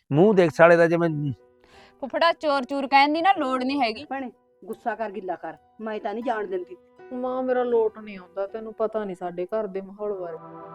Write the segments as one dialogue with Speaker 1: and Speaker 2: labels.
Speaker 1: ਮੂੰਹ ਦੇਖ ਸਾਲੇ ਦਾ ਜਿਵੇਂ।
Speaker 2: ਫੁੱਫੜਾ ਚੋਰ ਚੂਰ ਕਹਿਣ ਦੀ ਨਾ ਲੋੜ ਨਹੀਂ ਹੈਗੀ।
Speaker 3: ਭੈਣੇ ਗੁੱਸਾ ਕਰ ਗਿੱਲਾ ਕਰ, ਮੈਂ ਤਾਂ ਨਹੀਂ ਜਾਣ ਦਿੰਦੀ।
Speaker 4: ਮਾਂ ਮੇਰਾ ਲੋਟ ਨਹੀਂ ਆਉਂਦਾ, ਤੈਨੂੰ ਪਤਾ ਨਹੀਂ ਸਾਡੇ ਘਰ ਦੇ ਮਾਹੌਲ ਬਾਰੇ।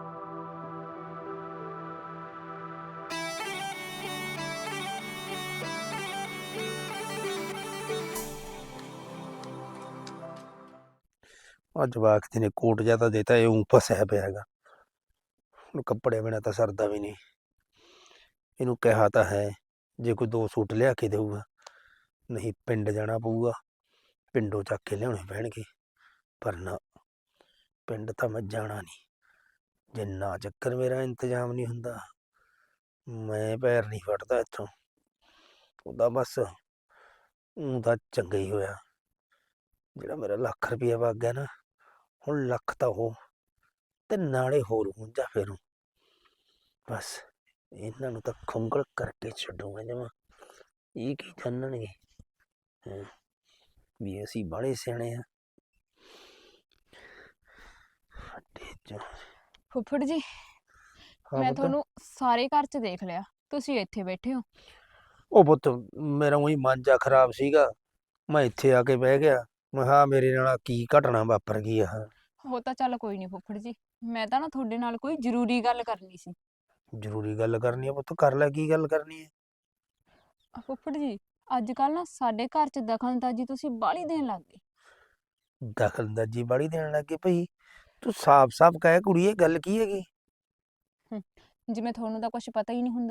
Speaker 1: ਅੱਜ ਜਵਾਕ ਨੇ ਕੋਟ ਜਿਹਾ ਤਾਂ ਦੇਤਾ, ਇਹ ਫਸਿਆ ਪਿਆ ਹੈਗਾ। ਹੁਣ ਕੱਪੜੇ ਬਿਨਾਂ ਤਾਂ ਸਰਦਾ ਵੀ ਨਹੀਂ। ਇਹਨੂੰ ਕਿਹਾ ਤਾਂ ਹੈ ਜੇ ਕੋਈ 2 ਸੂਟ ਲਿਆ ਕੇ ਦੇਊਗਾ, ਨਹੀਂ ਪਿੰਡ ਜਾਣਾ ਪਊਗਾ, ਪਿੰਡੋਂ ਚੱਕ ਕੇ ਲਿਆਉਣੇ ਪੈਣਗੇ। ਪਰ ਨਾ, ਪਿੰਡ ਤਾਂ ਮੈਂ ਜਾਣਾ ਨਹੀਂ। ਜਿੰਨਾ ਚੱਕਰ ਮੇਰਾ ਇੰਤਜ਼ਾਮ ਨਹੀਂ ਹੁੰਦਾ, ਮੈਂ ਪੈਰ ਨਹੀਂ ਫੜਦਾ ਇੱਥੋਂ। ਉਹਦਾ ਬਸ ਊਂ ਤਾਂ ਚੰਗਾ ਹੀ ਹੋਇਆ ਜਿਹੜਾ ਮੇਰਾ ਲੱਖ ਰੁਪਈਆ ਵਗ ਗਿਆ ਨਾ। ਹੁਣ ਲੱਖ ਤਾਂ ਉਹ ਤੇ ਨਾਲੇ ਹੋਰ ਹੁੰਜਾ ਫੇਰੂ। ਬਸ ਇਹਨਾਂ ਨੂੰ ਤਾਂ ਖੁੰਗਲ ਕਰਕੇ ਛੱਡੂਗਾ ਜਮਾਂ। ਇਹ ਕੀ ਜਾਣਨਗੇ ਵੀ ਅਸੀਂ ਬਾਹਲੇ ਸਿਆਣੇ ਆ।
Speaker 2: ਫੁੱਫੜ ਜੀ,
Speaker 1: ਹਾਂ
Speaker 2: ਮੈਂ
Speaker 1: ਪੁੱਤ।
Speaker 2: ਤੁਹਾਨੂੰ ਸਾਰੇ ਘਰ 'ਚ ਦੇਖ ਲਿਆ, ਤੁਸੀਂ ਇੱਥੇ ਬੈਠੇ ਹੋ।
Speaker 1: ਉਹ ਪੁੱਤ, ਮੇਰਾ ਉਹੀ ਮਨ ਜਾ ਖਰਾਬ ਸੀਗਾ, ਮੈਂ ਇੱਥੇ ਆ ਕੇ ਬਹਿ ਗਿਆ। ਮੈਂ ਕਿਹਾ ਮੇਰੇ ਨਾਲ ਕੀ ਘਟਨਾ ਵਾਪਰ ਗਈ ਆ।
Speaker 2: ਉਹ ਤਾਂ ਚੱਲ ਕੋਈ ਨਹੀਂ ਫੁੱਫੜ ਜੀ, ਮੈਂ ਤਾਂ ਨਾ ਤੁਹਾਡੇ ਨਾਲ ਕੋਈ ਜ਼ਰੂਰੀ ਗੱਲ ਕਰਨੀ ਸੀ।
Speaker 1: ਜ਼ਰੂਰੀ ਗੱਲ ਕਰਨੀ ਆ ਪੁੱਤ, ਕਰ ਲੈ। ਕੀ ਗੱਲ ਕਰਨੀ ਹੈ?
Speaker 2: ਫੁੱਫੜ ਜੀ, ਅੱਜ ਕੱਲ ਨਾ ਸਾਡੇ ਘਰ 'ਚ ਦਖਲਅੰਦਾਜ਼ੀ ਤੁਸੀਂ ਬਾਹਲੀ ਦੇਣ ਲੱਗ ਗਏ।
Speaker 1: ਦਖਲਅੰਦਾਜ਼ੀ ਬਾਹਲੀ ਦੇਣ ਲੱਗੇ ਭਈ? ਤੂੰ ਸਾਫ਼-ਸਾਫ਼ ਕਹਿ ਕੁੜੀਏ, ਗੱਲ ਕੀ ਹੈਗੀ?
Speaker 2: ਜਿਵੇਂ ਤੁਹਾਨੂੰ ਤਾਂ ਕੁਝ ਪਤਾ ਹੀ ਨਹੀਂ ਹੁੰਦਾ।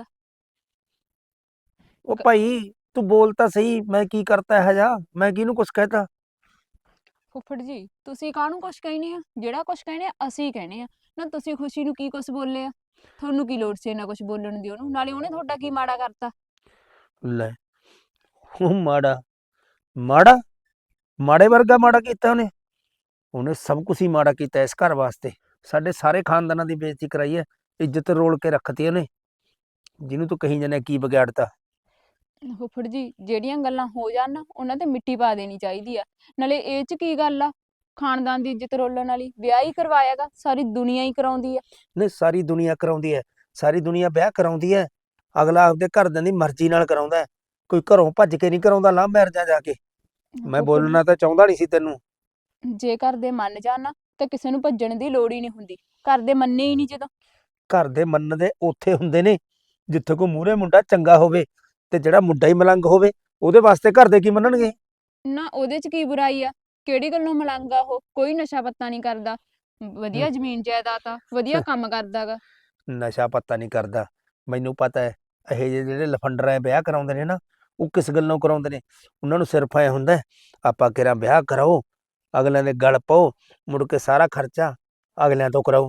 Speaker 1: ਉਹ ਭਾਈ ਤੂੰ ਬੋਲ ਤਾਂ ਸਹੀ, ਮੈਂ ਕੀ ਕਰਤਾ ਇਹੋ ਜਿਹਾ? ਮੈਂ ਕਿਹਨੂੰ ਕੁਛ ਕਹਿਤਾ?
Speaker 2: ਫੁੱਫੜ ਜੀ, ਤੁਸੀਂ ਕਾਹਨੂੰ ਕੁਝ ਕਹਿਣੇ ਆ? ਜਿਹੜਾ ਕੁਝ ਕਹਿਣੇ ਆ ਅਸੀਂ ਕਹਿਣੇ ਆ ਨਾ। ਤੁਸੀਂ ਖੁਸ਼ੀ ਨੂੰ ਕੀ ਕੁਝ ਬੋਲੇ ਆ? ਤੁਹਾਨੂੰ ਕੀ ਲੋੜ ਸੀ ਇੰਨਾ ਕੁਝ ਬੋਲਣ ਦੀ ਉਹਨੂੰ? ਨਾਲੇ ਉਹਨੇ ਤੁਹਾਡਾ ਕੀ ਮਾੜਾ ਕਰਤਾ?
Speaker 1: ਲੈ, ਉਹ ਮਾੜਾ ਮਾੜਾ ਮਾੜੇ ਵਰਗਾ ਮਾੜਾ ਕੀਤਾ ਉਹਨੇ? ਉਹਨੇ ਸਭ ਕੁਝ ਹੀ ਮਾੜਾ ਕੀਤਾ ਇਸ ਘਰ ਵਾਸਤੇ। ਸਾਡੇ ਸਾਰੇ ਖਾਨਦਾਨਾਂ ਦੀ ਬੇਇੱਜ਼ਤੀ ਕਰਾਈ ਹੈ, ਇੱਜ਼ਤ ਰੋਲ ਕੇ ਰੱਖਤੀ ਉਹਨੇ। ਜਿਹਨੂੰ ਤੂੰ ਕਹੀ ਜਾਂਦਾ ਕੀ ਵਿਗਾੜਤਾ?
Speaker 2: ਫੁੱਫੜ ਜੀ, ਜਿਹੜੀਆਂ ਗੱਲਾਂ ਹੋ ਜਾਣ ਨਾ ਉਹਨਾਂ ਤੇ ਮਿੱਟੀ ਪਾ ਦੇਣੀ ਚਾਹੀਦੀ ਆ। ਨਾਲੇ ਇਹ 'ਚ ਕੀ ਗੱਲ ਆ? ਖਾਨਦਾਨ ਦੀ ਇੱਜ਼ਤ ਰੋਲਣ ਵਾਲੀ ਵਿਆਹ ਹੀ ਕਰਵਾਇਆਗਾ, ਸਾਰੀ ਦੁਨੀਆ ਹੀ ਕਰਾਉਂਦੀ ਆ।
Speaker 1: ਨਹੀਂ, ਸਾਰੀ ਦੁਨੀਆ ਕਰਾਉਂਦੀ ਹੈ, ਸਾਰੀ ਦੁਨੀਆ ਵਿਆਹ ਕਰਾਉਂਦੀ ਹੈ। ਅਗਲਾ ਆਪਦੇ ਘਰਦਿਆਂ ਦੀ ਮਰਜ਼ੀ ਨਾਲ ਕਰਾਉਂਦਾ ਹੈ, ਕੋਈ ਘਰੋਂ ਭੱਜ ਕੇ ਨਹੀਂ ਕਰਾਉਂਦਾ ਲਵ ਮੈਰਿਜਾਂ ਜਾ ਕੇ। ਮੈਂ
Speaker 2: ਫੁੱਫੜ
Speaker 1: ਬੋਲਣਾ ਤਾਂ ਚਾਹੁੰਦਾ ਨਹੀਂ ਸੀ ਤੈਨੂੰ।
Speaker 2: ਜੀ, ਜੇ ਘਰ ਦੇ ਮੰਨ ਜਾਣ ਨਾ ਤਾਂ ਕਿਸੇ ਨੂੰ ਭੱਜਣ ਦੀ ਲੋੜ ਹੀ ਨਹੀਂ ਹੁੰਦੀ। ਘਰ ਦੇ ਮੰਨੇ ਹੀ ਨਹੀਂ ਜਦੋਂ।
Speaker 1: ਘਰ ਦੇ ਮੰਨਦੇ ਉੱਥੇ ਹੁੰਦੇ ਨੇ ਜਿੱਥੇ ਕੋਈ ਮੂਹਰੇ ਮੁੰਡਾ ਚੰਗਾ ਹੋਵੇ, ਤੇ ਜਿਹੜਾ ਮੁੰਡਾ ਹੀ ਮਲੰਗ ਹੋਵੇ ਉਹਦੇ ਵਾਸਤੇ ਘਰ ਦੇ ਕੀ ਮੰਨਣਗੇ?
Speaker 2: ਨਾ ਉਹਦੇ 'ਚ ਕੀ ਬੁਰਾਈ ਆ? ਕਿਹੜੀ ਗੱਲੋਂ ਮਲੰਗ ਆ ਉਹ? ਕੋਈ ਨਸ਼ਾ ਪੱਤਾ ਨਹੀਂ ਕਰਦਾ, ਵਧੀਆ ਜ਼ਮੀਨ ਜਾਇਦਾਦ ਆ, ਵਧੀਆ ਕੰਮ ਕਰਦਾਗਾ।
Speaker 1: ਨਸ਼ਾ ਪੱਤਾ ਨਹੀਂ ਕਰਦਾ, ਮੈਨੂੰ ਪਤਾ ਹੈ। ਇਹ ਜਿਹੜੇ ਲਫੰਡਰਾਂ ਵਿਆਹ ਕਰਾਉਂਦੇ ਨੇ ਨਾ, ਉਹ ਕਿਸ ਗੱਲੋਂ ਕਰਾਉਂਦੇ ਨੇ? ਉਹਨਾਂ ਨੂੰ ਸਿਰਫ ਐ ਹੁੰਦਾ ਆਪਾਂ ਕਿਹੜਾ ਵਿਆਹ ਕਰਾਓ, ਅਗਲਿਆਂ ਦੇ ਗਲ ਪਾਓ, ਮੁੜ ਕੇ ਸਾਰਾ ਖਰਚਾ ਅਗਲਿਆਂ ਤੋਂ ਕਰਾਓ।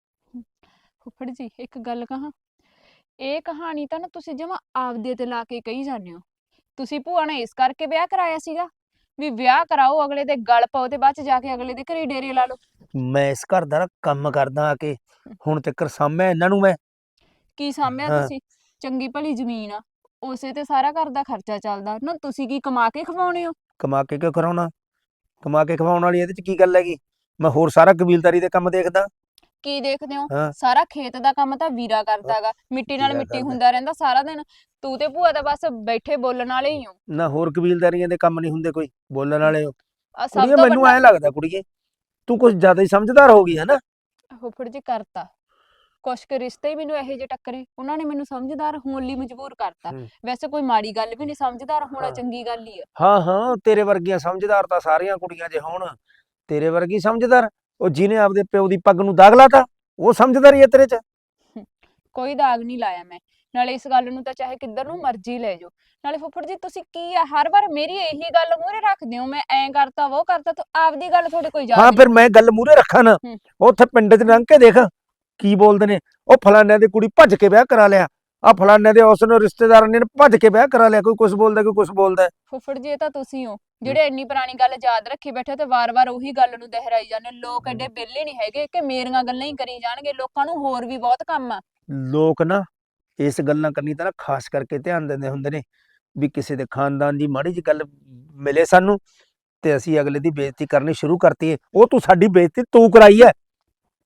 Speaker 2: ਫੁੱਫੜ ਜੀ, ਇੱਕ ਗੱਲ ਕਹਾਂ, ਇਹ ਕਹਾਣੀ ਤਾਂ ਨਾ ਤੁਸੀਂ ਜਮਾਂ ਆਪਦੇ ਤੇ ਲਾ ਕੇ ਕਹੀ ਜਾਂਦੇ ਹੋ। ਤੁਸੀਂ ਭੂਆ ਨੇ ਇਸ ਕਰਕੇ ਵਿਆਹ ਕਰਾਇਆ ਸੀਗਾ ਵੀ ਵਿਆਹ ਕਰਾਓ, ਅਗਲੇ ਦੇ ਗਲ ਪਾਓ ਤੇ ਬਾਅਦ ਚ ਜਾ ਕੇ ਅਗਲੇ ਦੇ ਘਰੇ ਡੇਰੇ ਲਾ ਲਓ।
Speaker 1: ਮੈਂ ਇਸ ਘਰ ਦਾ ਨਾ ਕੰਮ ਕਰਦਾ ਆ ਕੇ, ਹੁਣ ਤੱਕ ਸਾਂਭਿਆ ਇਹਨਾਂ ਨੂੰ ਮੈਂ।
Speaker 2: ਕੀ ਸਾਂਭਿਆ
Speaker 1: ਹਾਂ।
Speaker 2: ਤੁਸੀਂ? ਚੰਗੀ ਭਲੀ ਜ਼ਮੀਨ ਆ, ਉਸੇ ਤੇ ਸਾਰਾ ਘਰ ਦਾ ਖਰਚਾ ਚੱਲਦਾ ਨਾ। ਤੁਸੀਂ ਕੀ ਕਮਾ ਕੇ ਖਵਾਉਣੇ ਹੋ?
Speaker 1: ਕਮਾ ਕੇ ਕਿਉਂ ਕਰਾਉਣਾ? ਕਮਾ ਕੇ ਖਵਾਉਣ ਵਾਲੀ ਇਹਦੇ ਚ ਕੀ ਗੱਲ ਹੈਗੀ? ਮੈਂ ਹੋਰ ਸਾਰਾ ਕਬੀਲਦਾਰੀ ਦੇ ਕੰਮ ਦੇਖਦਾ।
Speaker 2: ਕੀ ਦੇਖਦੇ ਹੋ?
Speaker 1: ਹਾਂ।
Speaker 2: ਸਾਰਾ ਖੇਤ ਦਾ ਕੰਮ ਤਾਂ ਵੀਰਾ ਕਰਦਾਗਾ, ਮਿੱਟੀ ਨਾਲ
Speaker 1: ਵੀਰਾ
Speaker 2: ਮਿੱਟੀ
Speaker 1: ਕਰਦਾ।
Speaker 2: ਹੁੰਦਾ ਰਹਿੰਦਾ ਸਾਰਾ ਦਿਨ। ਤੂੰ ਤੇ ਭੂਆ ਦਾ ਬਸ ਬੈਠੇ ਬੋਲਣ ਵਾਲੇ ਹੀ ਹੋ।
Speaker 1: ਨਾ ਹੋਰ ਕਬੀਲਦਾਰੀਆਂ ਦੇ ਕੰਮ ਨਹੀਂ ਹੁੰਦੇ ਕੋਈ ਬੋਲਣ ਵਾਲੇ?
Speaker 2: ਆ ਸਭ
Speaker 1: ਕੁੜੀਏ
Speaker 2: ਤੋਂ
Speaker 1: ਮੈਨੂੰ
Speaker 2: ਵੱਡਾ
Speaker 1: ਐਂ ਲੱਗਦਾ ਕੁੜੀਏ ਤੂੰ ਕੁਝ ਜ਼ਿਆਦਾ ਹੀ ਸਮਝਦਾਰ ਹੋ ਗਈ ਹੈ ਨਾ।
Speaker 2: ਫੁੱਫੜ ਜੀ ਕਰਤਾ ਕੁਛ ਕੁ ਰਿਸ਼ਤੇ ਹੀ ਮੈਨੂੰ ਇਹੋ ਜਿਹੇ ਟੱਕਰੇ, ਉਹਨਾਂ ਨੇ ਮੈਨੂੰ ਸਮਝਦਾਰ ਹੋਣ ਲਈ ਮਜਬੂਰ ਕਰਤਾ। ਵੈਸੇ ਕੋਈ ਮਾੜੀ ਗੱਲ ਵੀ ਨਹੀਂ, ਸਮਝਦਾਰ ਹੋਣਾ
Speaker 1: ਹਾਂ।
Speaker 2: ਚੰਗੀ ਗੱਲ ਹੀ ਆ।
Speaker 1: ਹਾਂ ਹਾਂ, ਤੇਰੇ ਵਰਗੀਆਂ ਸਮਝਦਾਰ ਤਾਂ ਸਾਰੀਆਂ ਕੁੜੀਆਂ ਜੇ ਹੋਣ। ਤੇਰੇ ਵਰਗੀ ਸਮਝਦਾਰ ਉਹ ਜਿਹਨੇ ਆਪਦੇ ਪਿਓ ਦੀ ਪੱਗ ਨੂੰ ਦਾਗ ਲਾਤਾ, ਉਹ ਸਮਝਦਾਰੀ ਹੈ ਤੇਰੇ ਚ?
Speaker 2: ਕੋਈ ਦਾਗ ਨਹੀਂ ਲਾਇਆ ਮੈਂ। ਨਾਲੇ ਇਸ ਗੱਲ ਨੂੰ ਤਾਂ ਚਾਹੇ ਕਿੱਧਰ ਨੂੰ ਮਰਜ਼ੀ ਲੈ ਜਾਓ। ਨਾਲੇ ਫੁੱਫੜ ਜੀ, ਤੁਸੀਂ ਕੀ ਆ ਹਰ ਵਾਰ ਮੇਰੀ ਇਹੀ ਗੱਲ ਮੂਹਰੇ ਰੱਖਦੇ ਹੋ, ਮੈਂ ਐਂ ਕਰਤਾ ਉਹ ਕਰਤਾ, ਤੂੰ ਆਪਦੀ ਗੱਲ ਤੁਹਾਡੇ ਕੋਈ ਯਾਦ
Speaker 1: ਹਾਂ,
Speaker 2: ਨਹੀਂ।
Speaker 1: ਫਿਰ ਮੈਂ ਗੱਲ ਮੂਹਰੇ ਰੱਖਾਂ ਨਾ। ਉੱਥੇ ਪਿੰਡ 'ਚ ਲੰਘ ਕੇ ਦੇਖ ਕੀ ਬੋਲਦੇ ਨੇ, ਉਹ ਫਲਾਨਿਆਂ ਦੀ ਕੁੜੀ ਭੱਜ ਕੇ ਵਿਆਹ ਕਰਾ ਲਿਆ, ਆ ਫਲਾਨਿਆਂ ਦੇ ਉਸ ਨੂੰ ਰਿਸ਼ਤੇਦਾਰਾਂ ਨੇ ਭੱਜ ਕੇ ਵਿਆਹ ਕਰਾ ਲਿਆ। ਕੋਈ ਕੁਛ ਬੋਲਦਾ, ਕੋਈ ਕੁਛ ਬੋਲਦਾ।
Speaker 2: ਫੁੱਫੜ ਜੀ, ਇਹ ਤਾਂ ਤੁਸੀਂ ਹੋ ਜਿਹੜੇ ਇੰਨੀ ਪੁਰਾਣੀ ਗੱਲ ਯਾਦ ਰੱਖੀ ਬੈਠੇ ਤੇ ਵਾਰ-ਵਾਰ ਉਹੀ ਗੱਲ ਨੂੰ ਦੁਹਰਾਈ ਜਾਂਦੇ। ਲੋਕ ਐਡੇ ਵਿਹਲੇ ਨਹੀਂ ਹੈਗੇ ਕਿ ਮੇਰੀਆਂ ਗੱਲਾਂ ਹੀ ਕਰੀ ਜਾਣਗੇ, ਲੋਕਾਂ ਨੂੰ ਹੋਰ ਵੀ ਬਹੁਤ ਕੰਮ ਆ।
Speaker 1: ਲੋਕ ਨਾ ਇਸ ਗੱਲਾਂ ਕਰਨੀ ਤਾਂ ਨਾ ਖਾਸ ਕਰਕੇ ਧਿਆਨ ਦਿੰਦੇ ਹੁੰਦੇ ਨੇ ਵੀ ਕਿਸੇ ਦੇ ਖਾਨਦਾਨ ਦੀ ਮਾੜੀ ਜਿਹੀ ਗੱਲ ਮਿਲੇ ਸਾਨੂੰ ਤੇ ਅਸੀਂ ਅਗਲੇ ਦੀ ਬੇਇੱਜ਼ਤੀ ਕਰਨੀ ਸ਼ੁਰੂ ਕਰਤੀ ਹੈ। ਉਹ ਤੂੰ ਸਾਡੀ ਬੇਇੱਜ਼ਤੀ ਤੂੰ ਕਰਾਈ ਹੈ।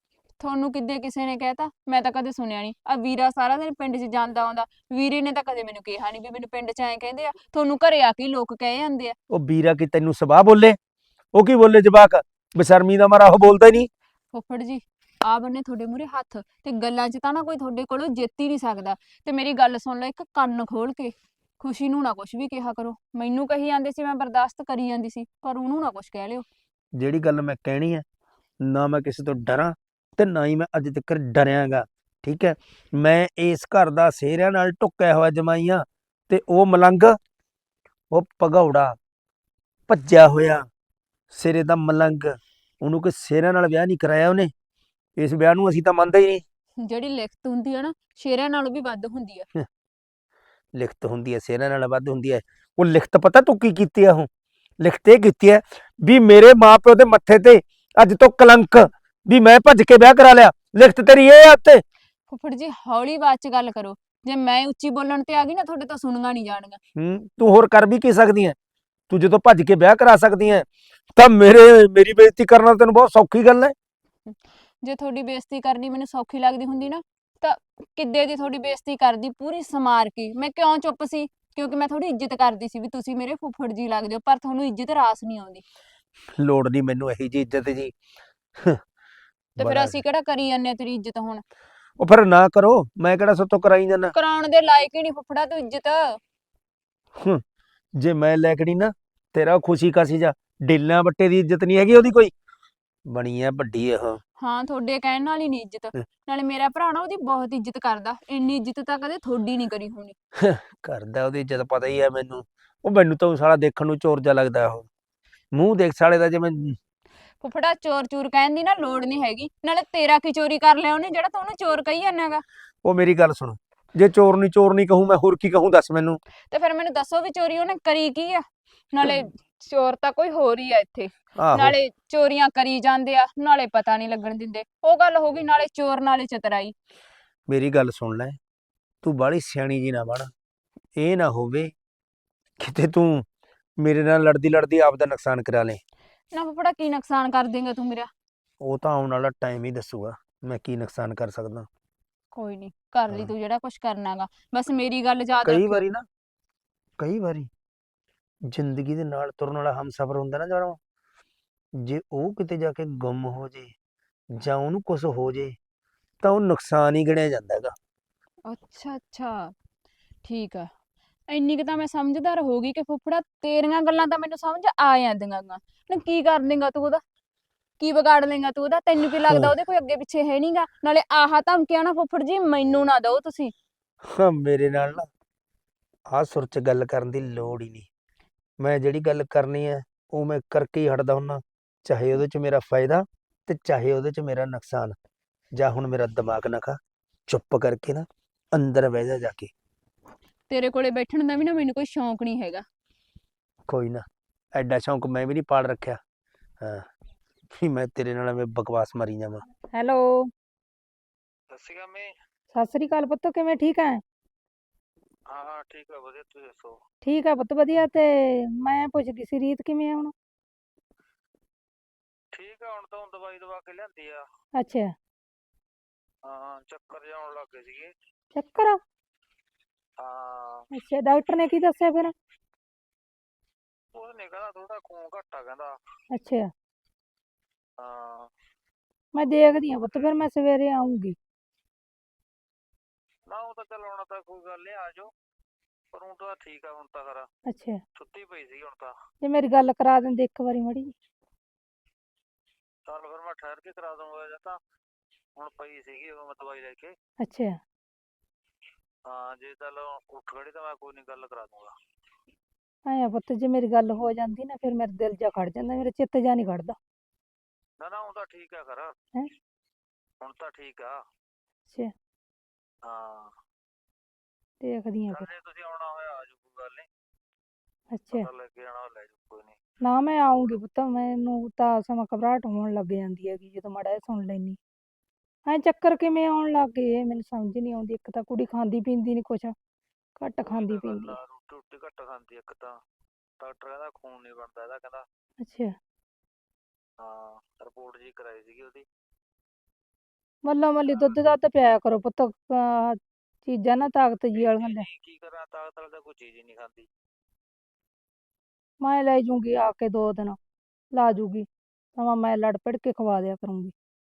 Speaker 2: ਤੁਹਾਨੂੰ ਕਿੱਦੇ ਕਿਸੇ ਨੇ ਕਹਿਤਾ? ਮੈਂ ਤਾਂ ਕਦੇ ਸੁਣਿਆ ਨਹੀਂ। ਆ ਵੀਰਾ ਸਾਰਾ ਦਿਨ ਪਿੰਡ 'ਚ ਜਾਂਦਾ ਆਉਂਦਾ, ਵੀਰੇ ਨੇ ਤਾਂ ਕਦੇ ਮੈਨੂੰ ਕਿਹਾ ਨਹੀਂ ਵੀ ਮੈਨੂੰ ਪਿੰਡ 'ਚ ਐਂ ਕਹਿੰਦੇ ਆ। ਤੁਹਾਨੂੰ ਘਰੇ ਆ ਕੇ ਹੀ ਲੋਕ ਕਹਿ ਜਾਂਦੇ ਆ।
Speaker 1: ਉਹ ਵੀਰਾ ਕੀ ਤੈਨੂੰ ਸਵਾਹ ਬੋਲੇ? ਉਹ ਕੀ ਬੋਲੇ ਜਵਾਕ? ਬੇਸ਼ਰਮੀ ਦਾ ਮਾਰਾ ਉਹ ਬੋਲਦਾ ਹੀ ਨਹੀਂ।
Speaker 2: ਫੁੱਫੜ ਜੀ, ਆ ਬੰਨੇ ਤੁਹਾਡੇ ਮੂਹਰੇ ਹੱਥ, ਤੇ ਗੱਲਾਂ 'ਚ ਤਾਂ ਨਾ ਕੋਈ ਤੁਹਾਡੇ ਕੋਲੋਂ ਜਿੱਤ ਹੀ ਨਹੀਂ ਸਕਦਾ। ਤੇ ਮੇਰੀ ਗੱਲ ਸੁਣ ਲਓ ਇੱਕ ਕੰਨ ਖੋਲ ਕੇ, ਖੁਸ਼ੀ ਨੂੰ ਨਾ ਕੁਛ ਵੀ ਕਿਹਾ ਕਰੋ। ਮੈਨੂੰ ਕਹੀ ਜਾਂਦੇ ਸੀ ਮੈਂ ਬਰਦਾਸ਼ਤ ਕਰੀ ਜਾਂਦੀ ਸੀ, ਪਰ ਉਹਨੂੰ ਨਾ ਕੁਛ ਕਹਿ ਲਿਓ।
Speaker 1: ਜਿਹੜੀ ਗੱਲ ਮੈਂ ਕਹਿਣੀ ਹੈ, ਨਾ ਮੈਂ ਕਿਸੇ ਤੋਂ ਡਰਾਂ ਤੇ ਨਾ ਹੀ ਮੈਂ ਅੱਜ ਤੱਕ ਡਰਿਆਂਗਾ। ਠੀਕ ਹੈ, ਮੈਂ ਇਸ ਘਰ ਦਾ ਸਿਹਰਿਆਂ ਨਾਲ ਢੁੱਕਿਆ ਹੋਇਆ ਜਮਾਈਆਂ, ਤੇ ਉਹ ਮਲੰਗ, ਉਹ ਭਗੌੜਾ ਭੱਜਿਆ ਹੋਇਆ ਸਿਰੇ ਦਾ ਮਲੰਗ, ਉਹਨੂੰ ਕੋਈ ਸਿਹਰਿਆਂ ਨਾਲ ਵਿਆਹ ਨਹੀਂ ਕਰਾਇਆ ਉਹਨੇ। ਇਸ ਵਿਆਹ ਨੂੰ ਅਸੀਂ ਤਾਂ ਮੰਨਦੇ ਹੀ ਨਹੀਂ।
Speaker 2: ਜਿਹੜੀ ਲਿਖਤ ਹੁੰਦੀ ਆ ਨਾ, ਸ਼ੇਰਾਂ ਨਾਲੋਂ ਵੀ ਵੱਧ ਹੁੰਦੀ ਆ।
Speaker 1: ਲਿਖਤ ਹੁੰਦੀ ਹੈ ਸਿਹਰਿਆਂ ਨਾਲ ਵੱਧ ਹੁੰਦੀ ਹੈ। ਉਹ ਲਿਖਤ ਪਤਾ ਤੂੰ ਕੀ ਕੀਤੀ ਹੈ? ਉਹ ਲਿਖਤ ਇਹ ਕੀਤੀ ਹੈ ਵੀ ਮੇਰੇ ਮਾਂ ਪਿਓ ਦੇ ਮੱਥੇ ਤੇ ਅੱਜ ਤੋਂ ਕਲੰਕ, ਵੀ ਮੈਂ ਭੱਜ ਕੇ ਵਿਆਹ ਕਰਾ ਲਿਆ। ਲਿਖਤ ਤੇਰੀ ਇਹ ਆ ਉੱਤੇ।
Speaker 2: ਫੁੱਫੜ ਜੀ ਹੌਲੀ ਆਵਾਜ਼ 'ਚ ਗੱਲ ਕਰੋ। ਜੇ ਮੈਂ ਉੱਚੀ ਬੋਲਣ ਤੇ ਆ ਗਈ ਨਾ, ਤੁਹਾਡੇ ਤਾਂ ਸੁਣੀਆਂ ਨਹੀਂ ਜਾਣੀਆਂ।
Speaker 1: ਤੂੰ ਹੋਰ ਕਰ ਵੀ ਕੀ ਸਕਦੀ ਹੈ? ਤੂੰ ਜਦੋਂ ਭੱਜ ਕੇ ਵਿਆਹ ਕਰਾ ਸਕਦੀ ਹੈ ਤਾਂ ਮੇਰੀ ਬੇਇੱਜ਼ਤੀ ਕਰਨਾ ਤੈਨੂੰ ਬਹੁਤ ਸੌਖੀ ਗੱਲ ਹੈ।
Speaker 2: ਜੇ ਤੁਹਾਡੀ ਬੇਇੱਜ਼ਤੀ ਕਰਨੀ ਮੈਨੂੰ ਸੌਖੀ ਲੱਗਦੀ ਹੁੰਦੀ ਨਾ, ਤਾਂ ਕਿੱਦੇ ਦੀ ਤੁਹਾਡੀ ਬੇਇੱਜ਼ਤੀ ਕਰਦੀ ਪੂਰੀ ਸਮਾਰ ਕੇ। ਮੈਂ ਕਿਉਂ ਚੁੱਪ ਸੀ? ਕਿਉਂਕਿ ਮੈਂ ਤੁਹਾਡੀ ਇੱਜ਼ਤ ਕਰਦੀ ਸੀ ਵੀ ਤੁਸੀਂ ਮੇਰੇ ਫੁੱਫੜ ਜੀ ਲੱਗਦੇ ਹੋ, ਪਰ ਤੁਹਾਨੂੰ ਇੱਜ਼ਤ ਰਾਸ ਨਹੀਂ ਆਉਂਦੀ।
Speaker 1: ਲੋੜ ਨਹੀਂ ਮੈਨੂੰ ਇਹੀ ਜੀ ਇੱਜ਼ਤ ਜੀ।
Speaker 2: ਤੇ ਫਿਰ
Speaker 1: ਬੜਾ
Speaker 2: ਅਸੀਂ ਕਿਹੜਾ ਕਰੀ ਜਾਂਦੇ ਆ ਤੇਰੀ ਇੱਜ਼ਤ ਹੁਣ?
Speaker 1: ਉਹ ਫਿਰ ਨਾ ਕਰੋ, ਮੈਂ ਕਿਹੜਾ ਸਤੋਂ ਕਰਾਈ ਜਾਂਦਾ।
Speaker 2: ਕਰਾਉਣ ਦੇ ਲਾਇਕ ਹੀ ਨਹੀਂ ਫੁੱਫੜਾ ਤੂੰ ਇੱਜ਼ਤ।
Speaker 1: ਜੇ ਮੈਂ ਲੈਕੜੀ ਨਾ, ਤੇਰਾ ਖੁਸ਼ੀ ਕਾਸੀ ਜਾ ਢਿੱਲਾਂ ਬੱਟੇ ਦੀ ਇੱਜ਼ਤ ਨਹੀਂ ਹੈਗੀ ਉਹਦੀ ਕੋਈ। ਬਣੀ ਐ ਵੱਡੀ ਇਹ।
Speaker 2: ਹਾਂ, ਤੁਹਾਡੇ ਕਹਿਣ ਨਾਲ ਹੀ ਨਹੀਂ ਇੱਜ਼ਤ। ਨਾਲੇ ਮੇਰਾ ਭਰਾ ਨਾ ਉਹਦੀ ਬਹੁਤ ਇੱਜ਼ਤ ਕਰਦਾ। ਇੰਨੀ ਇੱਜ਼ਤ ਤਾਂ ਕਦੇ ਤੁਹਾਡੀ ਨਹੀਂ ਕਰੀ ਹੋਣੀ।
Speaker 1: ਕਰਦਾ ਉਹਦੀ ਇੱਜ਼ਤ ਪਤਾ ਹੀ ਹੈ ਮੈਨੂੰ। ਉਹ ਮੈਨੂੰ ਤਾਂ ਸਾਲਾ ਦੇਖਣ ਨੂੰ ਚੋਰ ਜਿਹਾ ਲੱਗਦਾ। ਉਹ ਮੂੰਹ ਦੇਖ ਸਾਲੇ ਦਾ ਜਿਵੇਂ।
Speaker 2: ਫੁੱਫੜਾ ਚੋਰ ਚੂਰ ਕਹਿਣ ਦੀ ਨਾ ਲੋੜ ਨਹੀਂ ਹੈਗੀ। ਨਾਲੇ ਤੇਰਾ ਕੀ ਚੋਰੀ ਕਰ ਲਿਆ ਉਹਨੇ ਜਿਹੜਾ ਤੂੰ ਉਹਨੂੰ ਚੋਰ ਕਹੀ ਜਾਂਦਾ ਗਾ?
Speaker 1: ਉਹ ਮੇਰੀ ਗੱਲ ਸੁਣ, ਜੇ ਚੋਰ ਨਹੀਂ ਕਹੂੰ ਮੈਂ ਹੋਰ ਕੀ ਕਹੂੰ ਦੱਸ ਮੈਨੂੰ।
Speaker 2: ਤੇ ਫਿਰ ਮੈਨੂੰ ਦੱਸੋ ਵੀ ਚੋਰੀ ਉਹਨੇ ਕਰੀ ਕੀ ਆ? ਨਾਲੇ ਚੋਰ ਤਾਂ ਕੋਈ ਹੋਰ ਹੀ ਆ ਇੱਥੇ।
Speaker 1: ਆਹੋ,
Speaker 2: ਨਾਲੇ ਚੋਰੀਆਂ ਕਰੀ ਜਾਂਦੇ ਆ, ਨਾਲੇ ਪਤਾ ਨਹੀਂ ਲੱਗਣ ਦਿੰਦੇ। ਉਹ ਗੱਲ ਹੋ ਗਈ ਨਾਲੇ ਚੋਰ ਨਾਲੇ ਚਤਰਾਈ।
Speaker 1: ਮੇਰੀ ਗੱਲ ਸੁਣ ਲੈ, ਤੂੰ ਬਾਹਲੀ ਸਿਆਣੀ ਜੀ ਨਾ ਬਣ। ਇਹ ਨਾ ਹੋਵੇ ਕਿਤੇ ਤੂੰ ਮੇਰੇ ਨਾਲ ਲੜਦੀ ਲੜਦੀ ਆਪ ਦਾ ਨੁਕਸਾਨ ਕਰਾ ਲੇ।
Speaker 2: ਨਾ ਫੁੱਫੜਾ ਕੀ ਨੁਕਸਾਨ ਕਰ ਦੇਂਗਾ ਤੂੰ ਮੇਰਾ?
Speaker 1: ਉਹ ਤਾਂ ਆਉਣ ਵਾਲਾ ਟਾਈਮ ਹੀ ਦੱਸੂਗਾ ਮੈਂ ਕੀ ਨੁਕਸਾਨ ਕਰ ਸਕਦਾ।
Speaker 2: ਕੋਈ ਨਹੀਂ, ਕਰ ਲਈ
Speaker 1: ਹਾਂ।
Speaker 2: ਤੂੰ ਜਿਹੜਾ ਕੁਝ ਕਰਨਾਗਾ। ਬਸ ਮੇਰੀ ਗੱਲ ਯਾਦ
Speaker 1: ਕਈ
Speaker 2: ਰੱਖਿਓ।
Speaker 1: ਵਾਰੀ ਨਾ, ਕਈ ਵਾਰੀ ਜ਼ਿੰਦਗੀ ਦੇ ਨਾਲ ਤੁਰਨ ਵਾਲਾ ਹਮਸਫਰ ਹੁੰਦਾ ਨਾ ਜਦੋਂ, ਜੇ ਉਹ ਕਿਤੇ ਜਾ ਕੇ ਗੁੰਮ ਹੋ ਜੇ ਜਾਂ ਉਹਨੂੰ ਕੁਝ ਹੋ ਜੇ ਤਾਂ ਉਹ ਨੁਕਸਾਨ ਹੀ ਗਿਣਿਆ ਜਾਂਦਾ ਹੈਗਾ।
Speaker 2: ਅੱਛਾ ਅੱਛਾ, ਠੀਕ ਆ। ਇੰਨੀ ਕੁ ਤਾਂ ਮੈਂ ਸਮਝਦਾਰ ਹੋ ਗਈ ਕਿ ਫੁੱਫੜਾ ਤੇਰੀਆਂ ਗੱਲਾਂ ਤਾਂ ਮੈਨੂੰ ਸਮਝ ਆ ਜਾਂਦੀਆਂ ਗਾ। ਨਾ ਕੀ ਕਰ ਲੇਂਗਾ ਤੂੰ ਉਹਦਾ? ਕੀ ਵਿਗਾੜ ਲੇਂਗਾ ਤੂੰ ਉਹਦਾ? ਤੈਨੂੰ ਕੀ ਲੱਗਦਾ ਉਹਦੇ ਕੋਈ ਅੱਗੇ ਪਿੱਛੇ ਹੈ ਨਹੀਂਗਾ? ਨਾਲੇ ਆਹ ਧਮਕੀਆਂ ਨਾ ਫੁੱਫੜ ਜੀ ਮੈਨੂੰ ਨਾ ਦਿਓ ਤੁਸੀਂ।
Speaker 1: ਹਾਂ, ਮੇਰੇ ਨਾਲ ਨਾ ਆਹ ਸੁਰ 'ਚ ਗੱਲ ਕਰਨ ਦੀ ਲੋੜ ਹੀ ਨਹੀਂ। ਮੈਂ ਜਿਹੜੀ ਗੱਲ ਕਰਨੀ ਹੈ ਉਹ ਮੈਂ ਕਰਕੇ ਹੀ ਹਟਦਾ ਹੁੰਦਾ, ਚਾਹੇ ਉਹਦੇ 'ਚ ਮੇਰਾ ਫਾਇਦਾ ਤੇ ਚਾਹੇ ਉਹਦੇ 'ਚ ਮੇਰਾ ਨੁਕਸਾਨ। ਜਾਂ ਹੁਣ ਮੇਰਾ ਦਿਮਾਗ ਨਾ ਖਾ, ਚੁੱਪ ਕਰਕੇ ਨਾ ਅੰਦਰ ਬਹਿ ਜਾ ਕੇ।
Speaker 2: ਤੇਰੇ ਕੋਲੇ ਬੈਠਣ ਦਾ ਵੀ ਨਾ ਮੈਨੂੰ ਕੋਈ ਸ਼ੌਂਕ ਨਹੀਂ ਹੈਗਾ।
Speaker 1: ਕੋਈ ਨਾ, ਐਡਾ ਸ਼ੌਂਕ ਮੈਂ ਵੀ ਨਹੀਂ ਪਾਲ ਰੱਖਿਆ। ਹਾਂ, ਵੀ ਮੈਂ ਤੇਰੇ ਨਾਲ ਐਵੇਂ ਬਕਵਾਸ ਮਾਰੀ ਜਾਵਾਂ।
Speaker 5: ਹੈਲੋ।
Speaker 1: ਸਤਿ ਸ਼੍ਰੀ ਅਕਾਲ ਮੈਂ।
Speaker 5: ਸਤਿ ਸ੍ਰੀ ਅਕਾਲ ਪੁੱਤ, ਕਿਵੇਂ? ਠੀਕ ਹੈ?
Speaker 1: ਹਾਂ ਹਾਂ ਠੀਕ ਆ, ਵਧੀਆ ਤੁਸੀਂ ਦੱਸੋ?
Speaker 5: ਠੀਕ ਹੈ ਪੁੱਤ, ਵਧੀਆ। ਤੇ ਮੈਂ ਪੁੱਛਦੀ ਸੀ ਰੀਤ ਕਿਵੇਂ ਆ ਹੁਣ?
Speaker 1: ਠੀਕ ਆ, ਹੁਣ ਤਾਂ ਦਵਾਈ ਦਵਾ ਕੇ ਲਿਆਂਦੀ ਆ।
Speaker 5: ਅੱਛਾ।
Speaker 1: ਹਾਂ, ਚੱਕਰ ਜਿਹਾ ਆਉਣ ਲੱਗ ਗਏ ਸੀਗੇ।
Speaker 5: ਚੱਕਰ?
Speaker 1: ਹਾਂ,
Speaker 5: ਅੱਛਾ, ਡਾਕਟਰ ਨੇ ਕੀ ਦੱਸਿਆ ਫਿਰ?
Speaker 1: ਉਹਨੇ ਕਹਿੰਦਾ ਥੋੜਾ ਖੂਨ ਘੱਟ ਆ ਕਹਿੰਦਾ।
Speaker 5: ਅੱਛਾ,
Speaker 1: ਹਾਂ,
Speaker 5: ਮੈਂ ਦੇਖਦੀ ਹਾਂ ਪੁੱਤ, ਫਿਰ ਮੈਂ ਸਵੇਰੇ ਆਉਂਗੀ।
Speaker 1: ਨਾ ਉਹ ਤਾਂ ਚੱਲ ਆਉਣਾ ਤਾਂ ਕੋਈ ਗੱਲ ਨਹੀਂ, ਆ ਜਾਓ। ਪਰ ਹੁਣ ਤਾਂ ਠੀਕ ਆ, ਹੁਣ ਤਾਂ ਖਰਾ
Speaker 5: ਅੱਛਾ,
Speaker 1: ਛੁੱਟੀ ਪਈ ਸੀ ਹੁਣ ਤਾਂ।
Speaker 5: ਜੇ ਮੇਰੀ ਗੱਲ ਕਰਾ ਦਿੰਦੇ ਇੱਕ ਵਾਰੀ ਮਾੜੀ ਜਿਹੀ।
Speaker 1: ਚੱਲ ਫਿਰ ਮੈਂ ਠਹਿਰ ਕੇ ਕਰਾ ਦੂੰਗਾ, ਜਾਂ ਤਾਂ ਹੁਣ ਪਈ ਸੀਗੀ ਉਹ ਮੈਂ ਦਵਾਈ ਲੈ ਕੇ।
Speaker 5: ਅੱਛਾ,
Speaker 1: ਹਾਂ, ਜੇ ਚੱਲ ਉੱਠ ਖੜੀ ਤਾਂ ਮੈਂ ਕੋਈ ਨਹੀਂ ਗੱਲ ਕਰਾ ਦੂੰਗਾ।
Speaker 5: ਆਇਆ ਪੁੱਤ, ਜੇ ਮੇਰੀ ਗੱਲ ਹੋ ਜਾਂਦੀ ਨਾ ਫਿਰ ਮੇਰਾ ਦਿਲ ਜਾ ਖੜ ਜਾਂਦਾ, ਮੇਰਾ ਚਿੱਤ ਜਾ ਨਹੀਂ ਖੜਦਾ।
Speaker 1: ਨਾ ਨਾ, ਹੁਣ ਤਾਂ ਠੀਕ ਆ ਖਰਾ।
Speaker 5: ਹੈਂ?
Speaker 1: ਹੁਣ ਤਾਂ ਠੀਕ ਆ।
Speaker 5: ਅੱਛਾ,
Speaker 1: ਹਾਂ,
Speaker 5: ਦੇਖਦੀ ਹਾਂ
Speaker 1: ਚੱਲ
Speaker 5: ਫਿਰ।
Speaker 1: ਜੇ ਤੁਸੀਂ ਆਉਣਾ ਹੋਇਆ ਆ ਜਾਓ, ਕੋਈ ਗੱਲ ਨਹੀਂ।
Speaker 5: ਅੱਛਾ,
Speaker 1: ਪਤਾ ਲੈ ਕੇ ਆਉਣਾ ਲੈ ਜਾਓ, ਕੋਈ ਨਹੀਂ।
Speaker 5: ਨਾ ਮੈਂ ਆਉਂਗੀ ਪੁੱਤ, ਮੈਨੂੰ ਤਾਂ ਸਮਾਂ ਘਬਰਾਹਟ ਹੋਣ ਲੱਗ ਜਾਂਦੀ ਹੈਗੀ ਜਦੋਂ ਮਾੜਾ ਜਿਹਾ ਸੁਣ ਲੈਂਦੀ। ਐਂ ਚੱਕਰ ਕਿਵੇਂ ਆਉਣ ਲੱਗ ਗਏ ਇਹ ਮੈਨੂੰ ਸਮਝ ਨਹੀਂ ਆਉਂਦੀ। ਇੱਕ ਤਾਂ ਕੁੜੀ ਖਾਂਦੀ ਪੀਂਦੀ ਨਹੀਂ ਕੁਛ, ਘੱਟ
Speaker 1: ਉਹੀ
Speaker 5: ਖਾਂਦੀ
Speaker 1: ਤਾਂ ਗੱਲ
Speaker 5: ਪੀਂਦੀ
Speaker 1: ਆ,
Speaker 5: ਹੈ।
Speaker 1: ਰੋਟੀ ਰੋਟੀ ਘੱਟ ਖਾਂਦੀ ਇੱਕ ਤਾਂ। ਡਾਕਟਰ ਕਹਿੰਦਾ ਖੂਨ ਨਹੀਂ ਬਣਦਾ ਇਹਦਾ, ਕਹਿੰਦਾ।
Speaker 5: ਅੱਛਾ,
Speaker 1: ਹਾਂ, ਰਿਪੋਰਟ ਜੀ ਕਰਾਈ ਸੀਗੀ ਉਹਦੀ।
Speaker 5: ਮੱਲਾ ਮੱਲੀ ਦੁੱਧ ਦੱਧ ਪਿਆਇਆ ਕਰੋ ਪੁੱਤ, ਚੀਜ਼ਾਂ ਨਾ ਤਾਕਤ ਜੀ ਵਾਲੀਆਂ ਲੈ।
Speaker 1: ਨਹੀਂ ਕੀ ਕਰਾਂ, ਤਾਕਤ ਵਾਲੀ ਤਾਂ ਕੋਈ ਚੀਜ਼ ਹੀ ਨਹੀਂ ਖਾਂਦੀ।
Speaker 5: ਮੈਂ ਲੈ ਜੂੰਗੀ ਆ ਕੇ 2 ਦਿਨ ਲਾ ਜੂਗੀ, ਤਾਂ ਮੈਂ ਲੜ ਪੜ ਕੇ ਖਵਾ ਦਿਆ ਕਰੂੰਗੀ।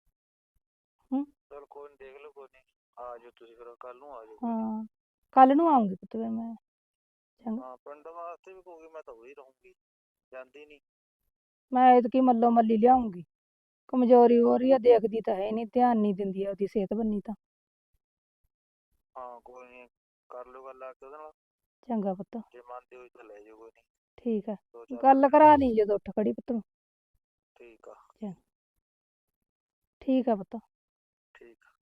Speaker 1: ਚਲ ਕੋਈ ਨੀ, ਦੇਖ ਲਓ, ਕੋਈ ਨੀ, ਆ ਜਾਓ ਤੁਸੀਂ, ਫਿਰ ਕੱਲ ਨੂੰ ਆ ਜਾਓ।
Speaker 5: ਹਾਂ ਕੱਲ ਨੂੰ ਆਉਂਗੀ ਪੁੱਤ ਫਿਰ ਮੈਂ। ਚੰਗਾ,
Speaker 1: ਹਾਂ ਪਿੰਡ ਵਾਸਤੇ ਵੀ ਕਹੂਗੀ, ਮੈਂ ਤਾਂ ਉਹੀ ਰਹੂੰਗੀ, ਜਾਂਦੀ ਨਹੀਂ।
Speaker 5: ਮੈਂ ਐਤਕੀ ਮੱਲੋ ਮੱਲੀ ਲਿਆਉਂਗੀ। ਕਮਜ਼ੋਰੀ ਹੋ ਰਹੀ ਆ, ਦੇਖਦੀ ਤਾਂ ਹੈ ਨਹੀਂ, ਧਿਆਨ ਨਹੀਂ ਦਿੰਦੀ ਆ ਉਹਦੀ ਸਿਹਤ ਬੰਨੀ ਤਾਂ।
Speaker 1: ਹਾਂ ਕੋਈ ਨੀ, ਕਰ ਲਓ ਗੱਲ ਆ ਕੇ ਉਹਦੇ ਨਾਲ,
Speaker 5: ਚੰਗਾ ਪੁੱਤ,
Speaker 1: ਜੇ ਮੰਨਦੀ ਹੋਈ ਤਾਂ ਲੈ ਜਾਓ, ਕੋਈ ਨੀ।
Speaker 5: ਠੀਕ ਹੈ।
Speaker 1: 2-4
Speaker 5: ਗੱਲ
Speaker 1: ਦਿਨ
Speaker 5: ਕਰਾ ਲਈ ਜਦੋਂ ਉੱਠ ਖੜੀ ਪੁੱਤ।
Speaker 1: ਠੀਕ ਆ।
Speaker 5: ਠੀਕ ਆ ਪੁੱਤ।
Speaker 1: ਠੀਕ ਆ।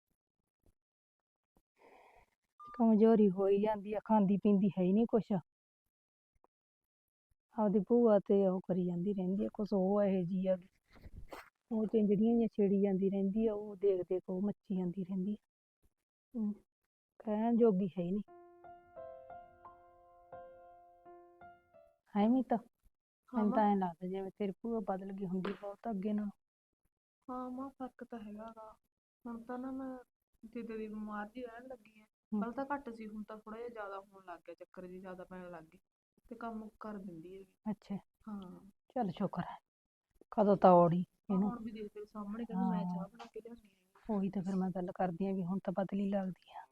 Speaker 5: ਕਮਜ਼ੋਰੀ ਹੋਈ ਜਾਂਦੀ ਆ, ਖਾਂਦੀ ਪੀਂਦੀ ਹੈ ਹੀ ਨਹੀਂ ਕੁਛ। ਆਪਦੀ ਭੂਆ ਤੇ ਉਹ ਕਰੀ ਜਾਂਦੀ ਰਹਿੰਦੀ ਆ, ਕੁਛ ਉਹ ਇਹੋ ਜਿਹੀ ਆ, ਉਹ ਚਿੰਜੜੀਆਂ ਜਿਹੀਆਂ ਛੇੜੀ ਜਾਂਦੀ ਰਹਿੰਦੀ ਆ, ਉਹ ਦੇਖ ਦੇਖ ਉਹ ਮੱਚੀ ਜਾਂਦੀ ਰਹਿੰਦੀ ਆ। ਕਹਿਣ ਜੋਗੀ ਹੈ ਹੀ ਨਹੀਂ। ਹੈ ਨਹੀਂ ਤਾਂ ਮੈਨੂੰ ਤਾਂ ਐਂ ਲੱਗਦਾ ਜਿਵੇਂ ਤੇਰੀ ਭੂਆ ਬਦਲ ਗਈ ਹੁੰਦੀ ਬਹੁਤ ਅੱਗੇ ਨਾਲ।
Speaker 4: ਹਾਂ ਮਾਂ ਫਰਕ ਤਾਂ ਹੈਗਾ ਗਾ। ਹੁਣ ਤਾਂ ਨਾ ਮੈਂ ਜਿੱਦੇ ਦੀ ਬਿਮਾਰ ਜੀ ਰਹਿਣ ਲੱਗੀ ਐ, ਪਹਿਲਾਂ ਤਾਂ ਘੱਟ ਸੀ, ਹੁਣ ਤਾਂ ਥੋੜਾ ਜਿਹਾ ਜ਼ਿਆਦਾ ਹੋਣ ਲੱਗ ਗਿਆ, ਚੱਕਰ ਜੀ ਜ਼ਿਆਦਾ ਪੈਣ ਲੱਗ ਗਏ, ਤੇ ਕੰਮ ਕਰ ਦਿੰਦੀ ਹੈਗੀ।
Speaker 5: ਅੱਛਾ,
Speaker 4: ਹਾਂ
Speaker 5: ਚੱਲ ਸ਼ੁਕਰ ਹੈ, ਕਦੋਂ ਤਾਂ ਔੜੀ ਇਹਨੂੰ।
Speaker 4: ਹੁਣ ਵੀ ਦੇਖ ਤੇਰੇ ਸਾਹਮਣੇ ਕਹਿੰਦੀ ਮੈਂ ਚਾਹ ਬਣਾ ਕੇ ਲਿਆਉਣੀ ਹੈਗੀ।
Speaker 5: ਉਹੀ ਤਾਂ ਫਿਰ ਮੈਂ ਗੱਲ ਕਰਦੀ ਆ ਵੀ ਹੁਣ ਤਾਂ ਬਦਲੀ ਲੱਗਦੀ ਆ।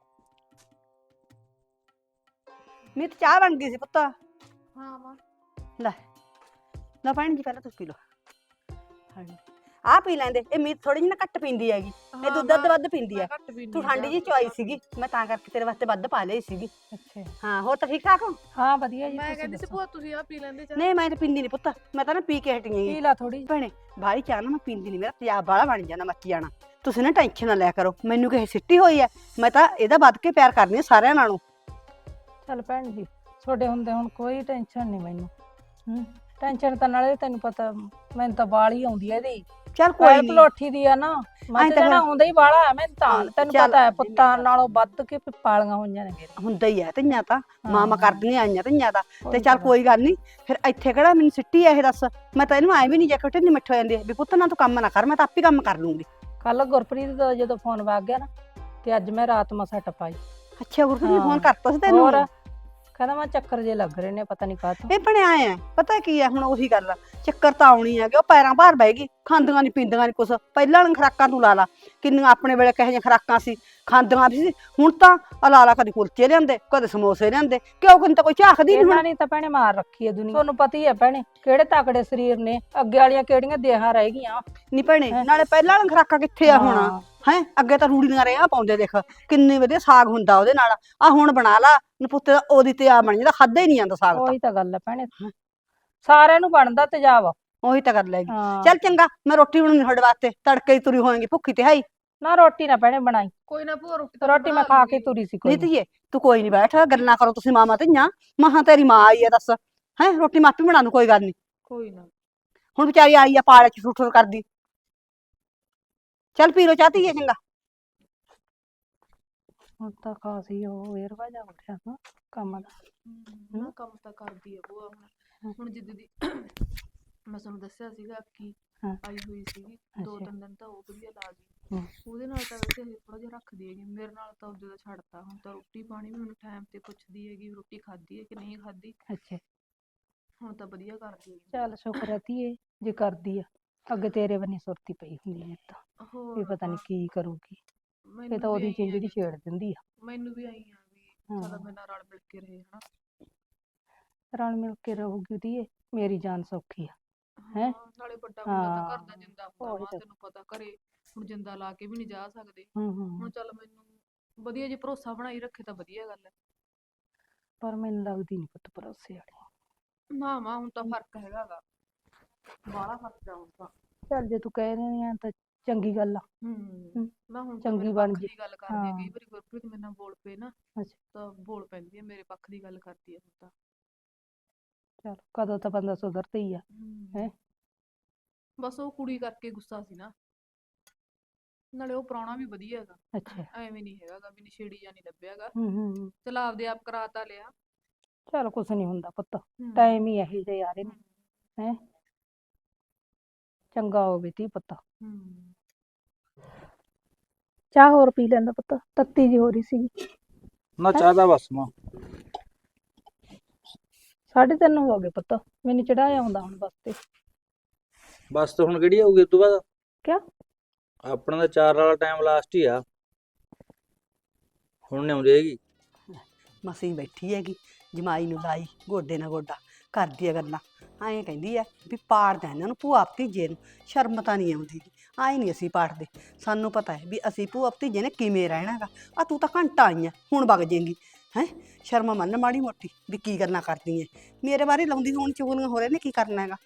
Speaker 3: ਮੀਤ ਚਾਹ ਬਣ ਗਈ ਸੀ ਪੁੱਤ।
Speaker 4: ਹਾਂ ਮਾਂ
Speaker 3: ਲੈ ਲੈ ਭੈਣ ਜੀ, ਪਹਿਲਾਂ ਤੁਸੀਂ ਪੀ ਲਓ। ਹਾਂਜੀ, ਆਹ ਪੀ ਲੈਂਦੇ। ਇਹ ਮੀਤ ਥੋੜੀ ਜਿਹੀ ਨਾ ਘੱਟ ਪੀਂਦੀ ਹੈਗੀ, ਇਹ ਦੁੱਧ ਦੱਧ ਵੱਧ ਪੀਂਦੀ ਆ। ਤੂੰ ਠੰਡੀ ਜੀ ਚੁਆਈ ਸੀਗੀ, ਮੈਂ ਤਾਂ ਕਰਕੇ ਤੇਰੇ ਵਾਸਤੇ ਵੱਧ ਪਾ ਲਈ ਸੀਗੀ।
Speaker 5: ਅੱਛਾ,
Speaker 3: ਹਾਂ ਹੋਰ ਤਾਂ ਠੀਕ ਠਾਕ ਹੋ?
Speaker 5: ਹਾਂ ਵਧੀਆ ਜੀ,
Speaker 4: ਮੈਂ
Speaker 5: ਤੁਸੀਂ
Speaker 4: ਕਹਿੰਦੀ ਸੀ
Speaker 5: ਦੱਸੋ?
Speaker 4: ਭੂਆ ਤੁਸੀਂ ਆ ਪੀ ਲੈਂਦੇ ਚਾਹ।
Speaker 3: ਨਹੀਂ ਮੈਂ ਤਾਂ ਪੀਂਦੀ ਨਹੀਂ ਪੁੱਤ, ਮੈਂ ਤਾਂ ਨਾ ਪੀ ਕੇ ਹਟੀ ਹੈਗੀ।
Speaker 5: ਪੀ ਲਾ ਥੋੜੀ।
Speaker 3: ਭੈਣੇ ਬਾਹਲੀ ਚਾਹ ਨਾ ਮੈਂ ਪੀਂਦੀ ਨਹੀਂ, ਮੇਰਾ ਤੇਜ਼ਾਬ ਬਾਹਲਾ ਬਣ ਜਾਣਾ, ਮੱਚ ਜਾਣਾ। ਤੁਸੀਂ ਨਾ ਟੈਨਸ਼ਨ ਨਾ ਲਿਆ ਕਰੋ, ਮੈਨੂੰ ਕਿਸੇ ਸਿੱਟੀ ਹੋਈ ਹੈ, ਮੈਂ ਤਾਂ ਇਹਦਾ ਵੱਧ ਕੇ ਪਿਆਰ ਕਰਦੀ ਹਾਂ ਸਾਰਿਆਂ ਨਾਲੋਂ।
Speaker 5: ਚੱਲ ਭੈਣ ਜੀ, ਤੁਹਾਡੇ ਹੁੰਦੇ ਹੁਣ ਕੋਈ ਟੈਨਸ਼ਨ ਨਹੀਂ ਮੈਨੂੰ। ਟੈਨਸ਼ਨ ਤਾਂ ਨਾਲੇ ਤੈਨੂੰ ਪਤਾ ਮੈਨੂੰ ਤਾਂ ਬਾਹਲੀ ਆਉਂਦੀ ਹੈ ਇਹਦੀ।
Speaker 3: ਚੱਲ ਕੋਈ
Speaker 5: ਕੋਈ
Speaker 3: ਨਹੀਂ।
Speaker 5: ਪਲੋਠੀ ਦੀ ਆ ਨਾ, ਮੱਝ
Speaker 3: ਤਾਂ
Speaker 5: ਜਣਾ ਆਉਂਦਾ ਹੀ ਬਾਹਲਾ ਹੈ ਮੈਨੂੰ ਤਾਂ। ਤੈਨੂੰ
Speaker 3: ਚੱਲ
Speaker 5: ਪਤਾ ਹੈ ਪੁੱਤਾਂ ਨਾਲੋਂ ਵੱਧ ਕੇ ਪਾਲੀਆਂ ਹੋਈਆਂ ਨੇ ਮੇਰੇ।
Speaker 3: ਹੁੰਦਾ ਹੀ ਹੈ ਧੀਆਂ ਤਾਂ, ਮਾਮਾ
Speaker 5: ਹਾਂ।
Speaker 3: ਕਰਦੀਆਂ ਆਈਆਂ ਧੀਆਂ ਦਾ। ਤੇ
Speaker 5: ਉਹੀ
Speaker 3: ਚੱਲ
Speaker 5: ਤਾਂ
Speaker 3: ਕੋਈ ਗੱਲ ਨਹੀਂ, ਫਿਰ ਇੱਥੇ ਕਿਹੜਾ ਮੈਨੂੰ ਸਿੱਟੀ ਹੈ ਇਹ, ਦੱਸ। ਮੈਂ ਤਾਂ ਇਹਨੂੰ ਐ ਵੀ ਨਹੀਂ ਜੇ ਕਿਤੇ ਨਹੀਂ ਮਿੱਠ ਹੋ ਜਾਂਦੀ ਵੀ ਪੁੱਤ ਨਾ ਤੂੰ ਕੰਮ ਨਾ ਕਰ, ਮੈਂ ਤਾਂ ਆਪੇ ਕੰਮ ਕਰ ਲੂੰਗੀ।
Speaker 5: ਕੱਲ ਗੁਰਪ੍ਰੀਤ ਦਾ ਜਦੋਂ ਫੋਨ ਵੱਗ ਗਿਆ ਨਾ, ਤੇ ਅੱਜ ਮੈਂ ਰਾਤ ਮਸਾ ਟਪਾਈ।
Speaker 3: ਅੱਛਾ ਗੁਰਪ੍ਰੀਤ ਨੇ
Speaker 5: ਹਾਂ।
Speaker 3: ਫੋਨ ਕਰਤਾ ਸੀ ਤੈਨੂੰ?
Speaker 5: ਹੋਰ ਕਹਿੰਦਾ ਮੈਂ ਚੱਕਰ ਜੇ ਲੱਗ ਰਹੇ ਨੇ, ਪਤਾ ਨਹੀਂ ਕਾਹਤੋਂ।
Speaker 3: ਇਹ ਭਣੇ ਆਏ ਆ, ਪਤਾ ਕੀ ਹੈ ਹੁਣ ਉਹੀ ਗੱਲ ਆ, ਚੱਕਰ ਤਾਂ ਆਉਣੀ ਹੈ ਕਿ ਉਹ ਪੈਰਾਂ ਭਾਰ ਬਹਿ ਗਈ, ਖਾਂਦੀਆਂ ਨਹੀਂ ਪੀਂਦੀਆਂ ਨਹੀਂ ਕੁਛ। ਪਹਿਲਾਂ ਵਾਲੀਆਂ ਖੁਰਾਕਾਂ ਤੂੰ ਲਾ ਲਾ, ਕਿੰਨੀਆਂ ਆਪਣੇ ਵੇਲੇ ਕਿਹੋ ਜਿਹੀਆਂ ਖੁਰਾਕਾਂ ਸੀ, ਖਾਂਦੀਆਂ ਵੀ ਸੀ। ਹੁਣ ਤਾਂ ਲਾ ਲਾ, ਕਦੇ ਕੁਲਚੇ ਲਿਆਂਦੇ, ਕਦੇ ਸਮੋਸੇ ਲਿਆਂਦੇ, ਕਿਉਂ ਕੋਈ ਤਾਂ ਕੋਈ ਝਾਕਦੀ ਨਹੀਂ
Speaker 5: ਇਹਨਾਂ
Speaker 3: ਹੁਣ।
Speaker 5: ਨੇ ਤਾਂ ਭੈਣੇ ਮਾਰ ਰੱਖੀ ਹੈ ਦੁਨੀਆ, ਤੁਹਾਨੂੰ ਪਤਾ ਹੀ ਹੈ ਭੈਣੇ ਕਿਹੜੇ ਤਕੜੇ ਸਰੀਰ ਨੇ, ਅੱਗੇ ਵਾਲੀਆਂ ਕਿਹੜੀਆਂ ਦੇਹਾਂ ਰਹਿ ਗਈਆਂ।
Speaker 3: ਨਹੀਂ ਭੈਣੇ, ਨਾਲੇ ਪਹਿਲਾਂ ਵਾਲੀਆਂ ਖੁਰਾਕਾਂ ਕਿੱਥੇ ਆ ਹੁਣ?
Speaker 5: ਹਾਂ।
Speaker 3: ਹੈ ਅੱਗੇ ਤਾਂ ਰੂੜੀਆਂ ਰਿਆਂ ਪਾਉਂਦੇ, ਦੇਖ ਕਿੰਨੇ ਵਧੀਆ ਸਾਗ ਹੁੰਦਾ ਉਹਦੇ ਨਾਲ। ਆ ਹੁਣ ਬਣਾ ਲਾ ਨਪੁੱਤੇ ਦਾ, ਉਹਦੀ ਤੇ ਆ ਬਣ ਜਾਂਦਾ, ਖਾਦਾ ਹੀ ਨਹੀਂ ਜਾਂਦਾ ਸਾਗ ਤਾਂ।
Speaker 5: ਉਹੀ ਤਾਂ ਗੱਲ ਹੈ ਭੈਣੇ, ਸਾਰਿਆਂ ਨੂੰ ਬਣਦਾ ਤੇਜ਼ਾਬ।
Speaker 3: ਉਹੀ ਤਾਂ ਗੱਲ ਹੈਗੀ।
Speaker 5: ਹਾਂ।
Speaker 3: ਚੱਲ ਚੰਗਾ, ਮੈਂ ਰੋਟੀ ਬਣਾਉਣੀ ਤੁਹਾਡੇ ਵਾਸਤੇ, ਤੜਕੇ ਹੀ ਤੁਰੀ ਹੋਏਗੀ ਭੁੱਖੀ ਤੇ ਹਾਈ।
Speaker 5: ਨਾ ਰੋਟੀ ਨਾ ਭੈਣੇ ਬਣਾਈ,
Speaker 4: ਕੋਈ ਨਾ ਭੂਆ ਰੋਟੀ ਤਾਂ
Speaker 5: ਰੋਟੀ ਮੈਂ ਖਾ ਕੇ ਤੁਰੀ ਸੀ ਕੋਈ
Speaker 3: ਨਹੀਂ
Speaker 5: ਨੀ।
Speaker 3: ਧੀਏ ਤੂੰ ਕੋਈ ਨਹੀਂ ਬੈਠ, ਗੱਲਾਂ ਕਰੋ ਤੁਸੀਂ ਮਾਮਾ ਧੀਆਂ। ਮਹਾਂ ਤੇਰੀ ਮਾਂ ਆਈ ਹੈ, ਦੱਸ ਹੈ ਰੋਟੀ ਮੈਂ ਆਪੇ ਬਣਾ ਲੂ, ਕੋਈ ਗੱਲ ਨਹੀਂ।
Speaker 4: ਕੋਈ ਨਾ।
Speaker 3: ਹੁਣ ਵਿਚਾਰੀ ਆਈ ਆ ਪਾਲੇ ਚ ਠੁੱਠਰ ਕਰਦੀ। ਚੱਲ ਪੀ ਲੋ ਚਾਹ ਧੀਏ, ਚੰਗਾ।
Speaker 5: ਹੁਣ ਤਾਂ ਖਾਸੀ ਉਹ ਵੇਰਵਾ ਜਾ ਉੱਠਿਆ ਨਾ ਕੰਮ ਦਾ।
Speaker 4: ਨਾ ਕੰਮ ਤਾਂ ਕਰਦੀ ਆ ਭੂਆ ਹੁਣ ਜਿੱਦ ਦੀ ਮੈਂ ਤੁਹਾਨੂੰ ਦੱਸਿਆ ਸੀਗਾ ਕਿ
Speaker 5: ਹਾਂ।
Speaker 4: ਆਈ ਹੋਈ ਸੀਗੀ, 2-3 ਦਿਨ ਤਾਂ ਉਹ ਵਧੀਆ ਲਾ ਗਈ।
Speaker 5: ਹਮ।
Speaker 4: ਉਹਦੇ ਨਾਲ ਤਾਂ ਵੈਸੇ ਇਹ ਥੋੜਾ ਜਿਹਾ ਰੱਖਦੀ ਹੈਗੀ, ਮੇਰੇ ਨਾਲ ਤਾਂ ਉਹਦੇ ਦਾ ਛੱਡਤਾ। ਹੁਣ ਤਾਂ ਰੋਟੀ ਪਾਣੀ ਵੀ ਮੈਨੂੰ ਟਾਈਮ ਤੇ ਪੁੱਛਦੀ ਹੈਗੀ, ਰੋਟੀ ਖਾਧੀ ਹੈ ਕਿ ਨਹੀਂ ਖਾਧੀ।
Speaker 5: ਅੱਛਾ,
Speaker 4: ਹੁਣ ਤਾਂ ਵਧੀਆ ਕਰਦੀ ਹੈਗੀ।
Speaker 5: ਚੱਲ ਸ਼ੁਕਰ ਹੈ ਧੀਏ ਜੇ ਕਰਦੀ ਆ, ਅੱਗੇ ਤੇਰੇ ਬੰਨੀ ਸੁਰਤੀ ਪਈ ਹੁੰਦੀ ਹੈ ਤਾਂ ਵੀ
Speaker 4: ਹੋਰ
Speaker 5: ਪਤਾ ਨਹੀਂ ਕੀ ਕਰੂਗੀ। ਇਹ
Speaker 4: ਮੈਨੂੰ
Speaker 5: ਤਾਂ
Speaker 4: ਵੀ
Speaker 5: ਉਹਦੀ
Speaker 4: ਆਈ
Speaker 5: ਚਿੰਜੜੀ
Speaker 4: ਆ,
Speaker 5: ਛੇੜ ਦਿੰਦੀ ਆ।
Speaker 4: ਮੈਨੂੰ ਵੀ ਆਈ ਆ ਵੀ
Speaker 5: ਹਾਂ।
Speaker 4: ਚਲ ਮੇਰੇ ਨਾਲ ਰਲ ਮਿਲ ਕੇ ਰਹੇ ਹਨਾ।
Speaker 5: ਰਲ ਮਿਲ ਕੇ ਰਹੂਗੀ ਧੀਏ, ਮੇਰੀ ਜਾਨ ਸੌਖੀ ਆ। ਹੈਂ?
Speaker 4: ਨਾਲੇ ਵੱਡਾ ਬੰਦਾ ਤਾਂ ਘਰ ਦਾ
Speaker 5: ਹਾਂ।
Speaker 4: ਜਿੰਦਾ ਹੁੰਦਾ
Speaker 5: ਉਹੀ
Speaker 4: ਵਾ,
Speaker 5: ਤਾਂ।
Speaker 4: ਤੈਨੂੰ ਪਤਾ ਘਰੇ ਹੁਣ ਜਿੰਦਾ ਲਾ ਕੇ ਵੀ ਨਹੀਂ ਜਾ ਸਕਦੇ।
Speaker 5: ਹੂੰ
Speaker 4: ਹੁਣ
Speaker 5: ਹੂੰ।
Speaker 4: ਚੱਲ ਮੈਨੂੰ ਵਧੀਆ ਜੇ ਭਰੋਸਾ ਬਣਾਈ ਰੱਖੇ ਤਾਂ ਵਧੀਆ ਗੱਲ ਹੈ।
Speaker 5: ਪਰ ਮੈਨੂੰ ਲੱਗਦੀ ਨਹੀਂ ਪੁੱਤ ਭਰੋਸੇ ਵਾਲੀ।
Speaker 4: ਨਾ ਮਾਂ ਹੁਣ ਤਾਂ ਫਰਕ ਹੈਗਾ ਗਾ, ਬਾਹਲਾ ਫਰਕ ਆ ਹੁਣ ਤਾਂ।
Speaker 5: ਚੱਲ ਜੇ ਤੂੰ ਕਹਿ ਰਹੀ ਆ ਤਾਂ ਚੰਗੀ ਗੱਲ ਆ।
Speaker 4: ਨਾ ਹੁਣ ਤਾਂ
Speaker 5: ਚੰਗੀ
Speaker 4: ਮੇਰੇ
Speaker 5: ਬਣ
Speaker 4: ਪੱਖ
Speaker 5: ਜੇ।
Speaker 4: ਦੀ ਗੱਲ ਕਰਦੀ ਹੈ,
Speaker 5: ਹਾਂ।
Speaker 4: ਕਈ ਵਾਰੀ ਗੁਰਪ੍ਰੀਤ ਮੇਰੇ ਨਾਲ ਬੋਲ ਪਏ ਨਾ
Speaker 5: ਅੱਛਾ,
Speaker 4: ਤਾਂ ਬੋਲ ਪੈਂਦੀ ਹੈ, ਮੇਰੇ ਪੱਖ ਦੀ ਗੱਲ ਕਰਦੀ ਹੈ ਹੁਣ ਤਾਂ।
Speaker 5: ਚੱਲ ਕਦੋਂ ਤਾਂ ਬੰਦਾ ਸੁਧਰਦਾ ਹੀ ਆ। ਹੈ
Speaker 4: ਬਸ ਉਹ ਕੁੜੀ ਕਰਕੇ ਗੁੱਸਾ ਸੀ ਨਾ, ਨਾਲੇ ਉਹ ਪ੍ਰਾਹੁਣਾ ਵੀ ਵਧੀਆ ਹੈਗਾ,
Speaker 5: ਅੱਛਾ।
Speaker 4: ਐਵੇਂ ਨਹੀਂ ਹੈਗਾ ਗਾ ਵੀ ਨਸ਼ੇੜੀ ਜਾਂ ਨਹੀਂ ਲੱਭਿਆਗਾ।
Speaker 5: ਹੂੰ।
Speaker 4: ਚਲ ਆਪਦੇ ਆਪ ਕਰਾਤਾ ਲਿਆ।
Speaker 5: ਚੱਲ ਕੁਛ ਨਹੀਂ ਹੁੰਦਾ ਪੁੱਤ, ਟਾਈਮ ਹੀ ਇਹੋ ਜਿਹੇ ਆ ਰਹੇ ਨੇ। ਹੈ ਚੰਗਾ ਹੋਵੇ ਧੀ ਪੁੱਤ। ਚਾਹ ਹੋਰ ਪੀ ਲੈਂਦਾ ਪੁੱਤ, ਤੱਤੀ ਜੀ ਹੋ ਰਹੀ ਸੀਗੀ।
Speaker 6: ਨਾ ਚਾਹ ਦਾ ਬਸ ਮਾਂ।
Speaker 5: 3:30 ਹੋ ਗਏ ਪੁੱਤ, ਮੈਨੂੰ ਚੜਾਇਆ ਆਉਂਦਾ ਹੁਣ ਬੱਸ ਤੇ।
Speaker 6: ਬਸ ਤਾਂ ਹੁਣ ਕਿਹੜੀ ਆਊਗੀ ਉਸ ਤੋਂ ਬਾਅਦ?
Speaker 5: ਕਿਆ?
Speaker 6: ਆਪਣਾ ਤਾਂ 4 ਵਾਲਾ ਟਾਈਮ ਲਾਸਟ ਹੀ ਆ, ਹੁਣ ਨਹੀਂ ਆਉਂਦੀ ਹੈਗੀ।
Speaker 3: ਮਸੀਂ ਬੈਠੀ ਹੈਗੀ, ਜਮਾਈ ਨੂੰ ਲਾਈ ਗੋਡੇ ਨਾਲ ਗੋਡਾ, ਕਰਦੀ ਆ ਗੱਲਾਂ। ਐਂ ਕਹਿੰਦੀ ਐ ਵੀ ਪਾੜਦਾ ਇਹਨਾਂ ਨੂੰ ਭੂਆ ਭਤੀਜੇ ਨੂੰ, ਸ਼ਰਮ ਤਾਂ ਨਹੀਂ ਆਉਂਦੀ। ਆਏ ਨਹੀਂ ਅਸੀਂ ਪਾੜਦੇ, ਸਾਨੂੰ ਪਤਾ ਹੈ ਵੀ ਅਸੀਂ ਭੂਆ ਭਤੀਜੇ ਨੇ ਕਿਵੇਂ ਰਹਿਣਾਗਾ। ਆ ਤੂੰ ਤਾਂ ਘੰਟਾ ਆਈ ਆ, ਹੁਣ ਵਗ ਜਾਏਂਗੀ ਹੈ। ਸ਼ਰਮ ਮੰਨ ਮਾੜੀ ਮੋਟੀ ਵੀ ਕੀ ਗੱਲਾਂ ਕਰਦੀ ਐ, ਮੇਰੇ ਬਾਰੇ ਲਾਉਂਦੀ ਹੋਣ ਚੁਗਲੀਆਂ ਹੋ ਰਹੇ ਨੇ, ਕੀ ਕਰਨਾ ਹੈਗਾ।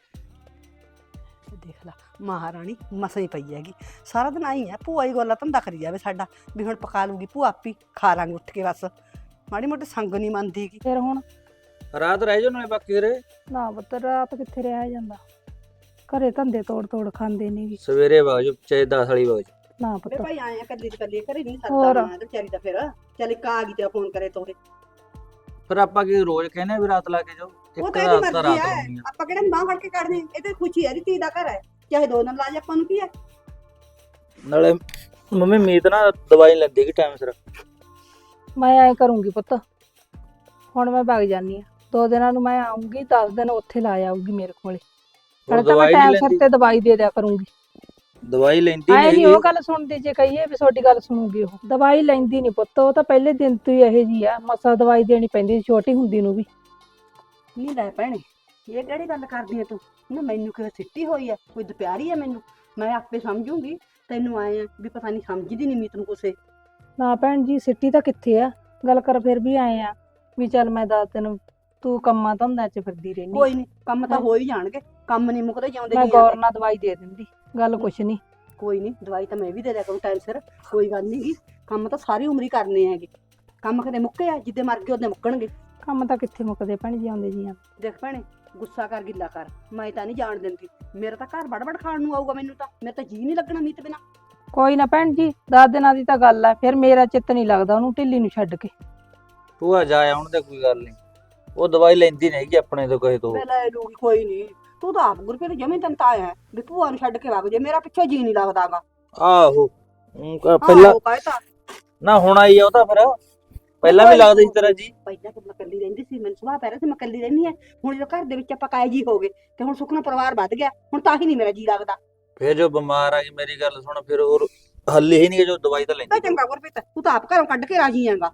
Speaker 3: ਦੇਖ ਲਾ ਮਹਾਰਾਣੀ ਮਸਾਂ ਹੀ ਪਈ ਹੈਗੀ, ਸਾਰਾ ਦਿਨ ਆਈ ਆ ਭੂਆ ਹੀ ਗੋਲਾ ਧੰਦਾ ਕਰੀ ਜਾਵੇ ਸਾਡਾ, ਵੀ ਹੁਣ ਪਕਾ ਲੂਗੀ ਭੂਆ ਆਪੀ, ਖਾ ਲਾਂਗੇ ਉੱਠ ਕੇ ਬਸ। ਮਾੜੀ ਮੋਟੀ ਸੰਗ ਨਹੀਂ ਮੰਨਦੀ ਗੀ।
Speaker 5: ਫਿਰ ਹੁਣ
Speaker 6: ਰਾਤ ਰਹਿ ਜਾਓ ਨਾਲੇ ਬਾਕੀ ਰੇ,
Speaker 5: ਨਾ ਪੁੱਤ ਰਾਤ ਕਿੱਥੇ ਰਿਹਾ ਜਾਂਦਾ, ਘਰੇ ਧੰਦੇ ਤੋੜ ਤੋੜ ਖਾਂਦੇ ਨੀ।
Speaker 6: ਸਵੇਰੇ ਵਗ ਜਾਓ ਚਾਹੇ 10 ਵਾਲੀ ਵਗ ਜਾਓ।
Speaker 5: ਨਾ
Speaker 3: ਵੇ
Speaker 5: ਪੁੱਤ
Speaker 3: ਭਾਈ ਆਏ ਆ ਕੱਲੀ ਦੀ ਕੱਲੀ ਘਰੇ ਨਹੀਂ
Speaker 5: ਹੋਰ।
Speaker 3: ਸਰਦਾ ਤੇ ਵਿਚਾਰੀ ਦਾ ਫਿਰ ਚੱਲ ਇੱਕ ਆ ਗਈ ਤੇ ਫੋਨ ਕਰੇ ਤੋਰੇ।
Speaker 6: ਫਿਰ ਆਪਾਂ ਕੀ ਰੋਜ਼ ਕਹਿੰਦੇ ਆ ਵੀ ਰਾਤ ਲਾ ਕੇ ਜਾਓ?
Speaker 3: ਉਹ
Speaker 6: ਇੱਕ
Speaker 3: ਤਾਂ ਇਹਦੀ
Speaker 6: ਰਾਤ ਤਾਂ
Speaker 3: ਮਰਜ਼ੀ
Speaker 6: ਰਾਤ
Speaker 3: ਹੈ,
Speaker 6: ਲਾਉਣੀ ਆ।
Speaker 3: ਆਪਾਂ ਕਿਹੜਾ ਬਾਂਹ ਫੜ ਕੇ ਕੱਢਦੇ, ਇਹ ਤੇ ਖੁਸ਼ੀ ਹੈ ਦੀ ਧੀ ਦਾ ਘਰ ਹੈ, ਚਾਹੇ 2 ਦਿਨ ਲਾ ਜਾ, ਆਪਾਂ ਨੂੰ ਕੀ ਹੈ।
Speaker 6: ਨਾਲੇ ਮੰਮੀ ਮੀਤ ਨਾ ਦਵਾਈ ਲੈਂਦੀ ਕਿ ਟਾਈਮ ਸਿਰ।
Speaker 5: ਮੈਂ ਐ ਕਰੂੰਗੀ ਪੁੱਤ, ਹੁਣ ਮੈਂ ਵਗ ਜਾਨੀ ਆ, 2 ਦਿਨਾਂ ਨੂੰ ਮੈਂ ਆਉਂਗੀ, 10 ਦਿਨ ਉੱਥੇ ਲਾ ਆਊਗੀ ਮੇਰੇ ਕੋਲੇ।
Speaker 6: ਹੁਣ
Speaker 5: ਨਾਲੇ ਤਾਂ ਮੈਂ
Speaker 6: ਦਵਾਈ ਨਹੀਂ
Speaker 5: ਟਾਈਮ ਸਿਰ
Speaker 6: ਲੈਂਦੀ,
Speaker 5: ਤੇ ਦਵਾਈ ਦੇ ਦਿਆ ਕਰੂੰਗੀ।
Speaker 6: ਦਵਾਈ ਲੈਂਦੀ
Speaker 5: ਐ
Speaker 6: ਨਹੀਂ
Speaker 5: ਨਹੀਂ
Speaker 6: ਹੈਗੀ।
Speaker 5: ਉਹ ਗੱਲ ਸੁਣਦੀ, ਜੇ ਕਹੀਏ ਵੀ ਤੁਹਾਡੀ ਗੱਲ ਸੁਣੂਗੀ ਉਹ। ਦਵਾਈ ਲੈਂਦੀ ਨਹੀਂ ਪੁੱਤ, ਉਹ ਤਾਂ ਪਹਿਲੇ ਦਿਨ ਤੋਂ ਹੀ ਇਹੋ ਜੀ ਆ, ਮਸਾ ਦਵਾਈ ਦੇਣੀ ਪੈਂਦੀ ਸੀ ਛੋਟੀ ਹੁੰਦੀ ਨੂੰ ਵੀ।
Speaker 3: ਨਹੀਂ ਲੈ ਭੈਣੇ, ਇਹ ਕਿਹੜੀ ਗੱਲ ਕਰਦੀ ਹੈ ਤੂੰ, ਨਾ ਮੈਨੂੰ ਕਿਵੇਂ ਸਿੱਟੀ ਹੋਈ ਹੈ, ਕੋਈ ਦੁਪਿਆਰੀ ਹੈ ਮੈਨੂੰ, ਮੈਂ ਆਪੇ ਸਮਝੂੰਗੀ। ਤੈਨੂੰ ਆਏ ਆ ਵੀ ਪਤਾ ਨਹੀਂ ਸਮਝਦੀ ਨਹੀਂ ਮੀਤ ਨੂੰ ਕੁਛੇ।
Speaker 5: ਨਾ ਭੈਣ ਜੀ ਸਿੱਟੀ ਤਾਂ ਕਿੱਥੇ ਆ, ਗੱਲ ਕਰ ਫਿਰ ਵੀ ਆਏ ਆ ਵੀ ਚੱਲ ਮੈਂ 10 ਦਿਨ, ਤੂੰ ਕੰਮਾਂ ਧੰਦਿਆਂ 'ਚ ਫਿਰਦੀ ਰਹਿਨੀ।
Speaker 3: ਕੋਈ ਨਹੀਂ, ਕੰਮ ਤਾਂ ਹੋ ਹੀ ਜਾਣਗੇ, ਕੰਮ ਨਹੀਂ ਮੁੱਕਦੇ ਜਾਂਦੇ
Speaker 5: ਮੈਂ
Speaker 3: ਜੀਆਂ
Speaker 5: ਗੌਰ
Speaker 3: ਦੇ।
Speaker 5: ਨਾਲ ਦਵਾਈ ਦੇ ਦਿੰਦੀ, ਗੱਲ ਕੁਛ ਨਹੀਂ।
Speaker 3: ਕੋਈ ਨਹੀਂ, ਦਵਾਈ ਤਾਂ ਮੈਂ ਵੀ ਦੇ ਦਿਆ ਕਰੂੰ ਟਾਈਮ ਸਿਰ, ਕੋਈ ਗੱਲ ਨਹੀਂ ਗੀ। ਕੰਮ ਤਾਂ ਸਾਰੀ ਉਮਰ ਹੀ ਕਰਨੇ ਹੈਗੇ, ਕੰਮ ਕਦੇ ਮੁੱਕੇ ਆ, ਜਿੱਦੇ ਮਰ ਗਏ ਉਹਦੇ ਮੁੱਕਣਗੇ।
Speaker 5: ਕੰਮ ਤਾਂ ਕਿੱਥੇ ਮੁੱਕਦੇ ਭੈਣ ਜੀ, ਆਉਂਦੇ ਜੀਆਂ।
Speaker 3: ਦੇਖ ਭੈਣੇ, ਗੁੱਸਾ ਕਰ ਗਿੱਲਾ ਕਰ, ਮੈਂ ਤਾਂ ਨਹੀਂ ਜਾਣ ਦਿੰਦੀ। ਮੇਰਾ ਤਾਂ ਘਰ ਵੜ ਖਾਣ ਨੂੰ ਆਊਗਾ, ਮੈਨੂੰ ਤਾਂ, ਮੇਰਾ ਤਾਂ ਜੀ ਨਹੀਂ ਲੱਗਣਾ ਮੀਤ ਬਿਨਾ।
Speaker 5: ਕੋਈ ਨਾ ਭੈਣ ਜੀ, 10 ਦਿਨਾਂ ਦੀ ਤਾਂ ਗੱਲ ਆ, ਫਿਰ ਮੇਰਾ ਚਿੱਤ ਨਹੀਂ ਲੱਗਦਾ ਉਹਨੂੰ ਢਿੱਲੀ ਨੂੰ ਛੱਡ ਕੇ।
Speaker 6: ਭੂਆ ਜਾ ਆਉਣ ਤੇ ਕੋਈ ਗੱਲ ਨਹੀਂ, ਉਹ ਦਵਾਈ ਲੈਂਦੀ ਨਹੀਂ ਹੈਗੀ ਆਪਣੇ ਤੋਂ ਕਹੇ ਤੋਂ।
Speaker 3: ਮੈਂ ਲੈ ਲੂਗੀ, ਕੋਈ ਨਹੀਂ। ਤੂੰ ਤਾਂ ਆਪ ਗੁਰਪ੍ਰੀਤ ਜਮੀ ਤਨ ਤਾਂ ਆਇਆ ਵੀ ਭੂਆ ਨੂੰ ਛੱਡ ਕੇ ਵਗ ਜੇ, ਮੇਰਾ ਪਿੱਛੇ ਜੀ ਨਹੀਂ ਲੱਗਦਾਗਾ।
Speaker 6: ਆਹੋ ਪਹਿਲਾਂ
Speaker 3: ਉਹ ਕਹਿਤਾ
Speaker 6: ਨਾ ਹੁਣ ਆਈ ਆ ਉਹ ਤਾਂ, ਫਿਰ ਪਹਿਲਾਂ ਵੀ ਲੱਗਦਾ ਸੀ ਤੇਰਾ ਜੀ।
Speaker 3: ਪਹਿਲਾਂ ਤਾਂ ਮੈਂ ਇਕੱਲੀ ਰਹਿੰਦੀ ਸੀ, ਮੈਨੂੰ ਸੁਭਾਅ ਪੈ ਰਿਹਾ ਸੀ ਮੈਂ ਇਕੱਲੀ ਰਹਿੰਦੀ ਆ। ਹੁਣ ਜਦੋਂ ਘਰ ਦੇ ਵਿੱਚ ਆਪਾਂ ਕਾਇ ਜੀ ਹੋ ਗਏ ਤੇ ਹੁਣ ਸੁਖਨਾ ਪਰਿਵਾਰ ਵੱਧ ਗਿਆ, ਹੁਣ ਤਾਂ ਹੀ ਨਹੀਂ ਮੇਰਾ ਜੀ ਲੱਗਦਾ।
Speaker 6: ਫਿਰ ਜੋ ਬਿਮਾਰ ਆ ਗਈ, ਮੇਰੀ ਗੱਲ ਸੁਣ, ਫਿਰ ਹੋਰ ਹੱਲ ਹੀ ਨਹੀਂ ਜੋ ਦਵਾਈ ਤਾਂ
Speaker 3: ਤਾਂ
Speaker 6: ਲੈਂਦੀ।
Speaker 3: ਚੰਗਾ ਗੁਰਪ੍ਰੀਤ, ਤੂੰ ਤਾਂ ਆਪ ਘਰੋਂ ਕੱਢ ਕੇ ਰਾਜੀ ਆਂਗਾ।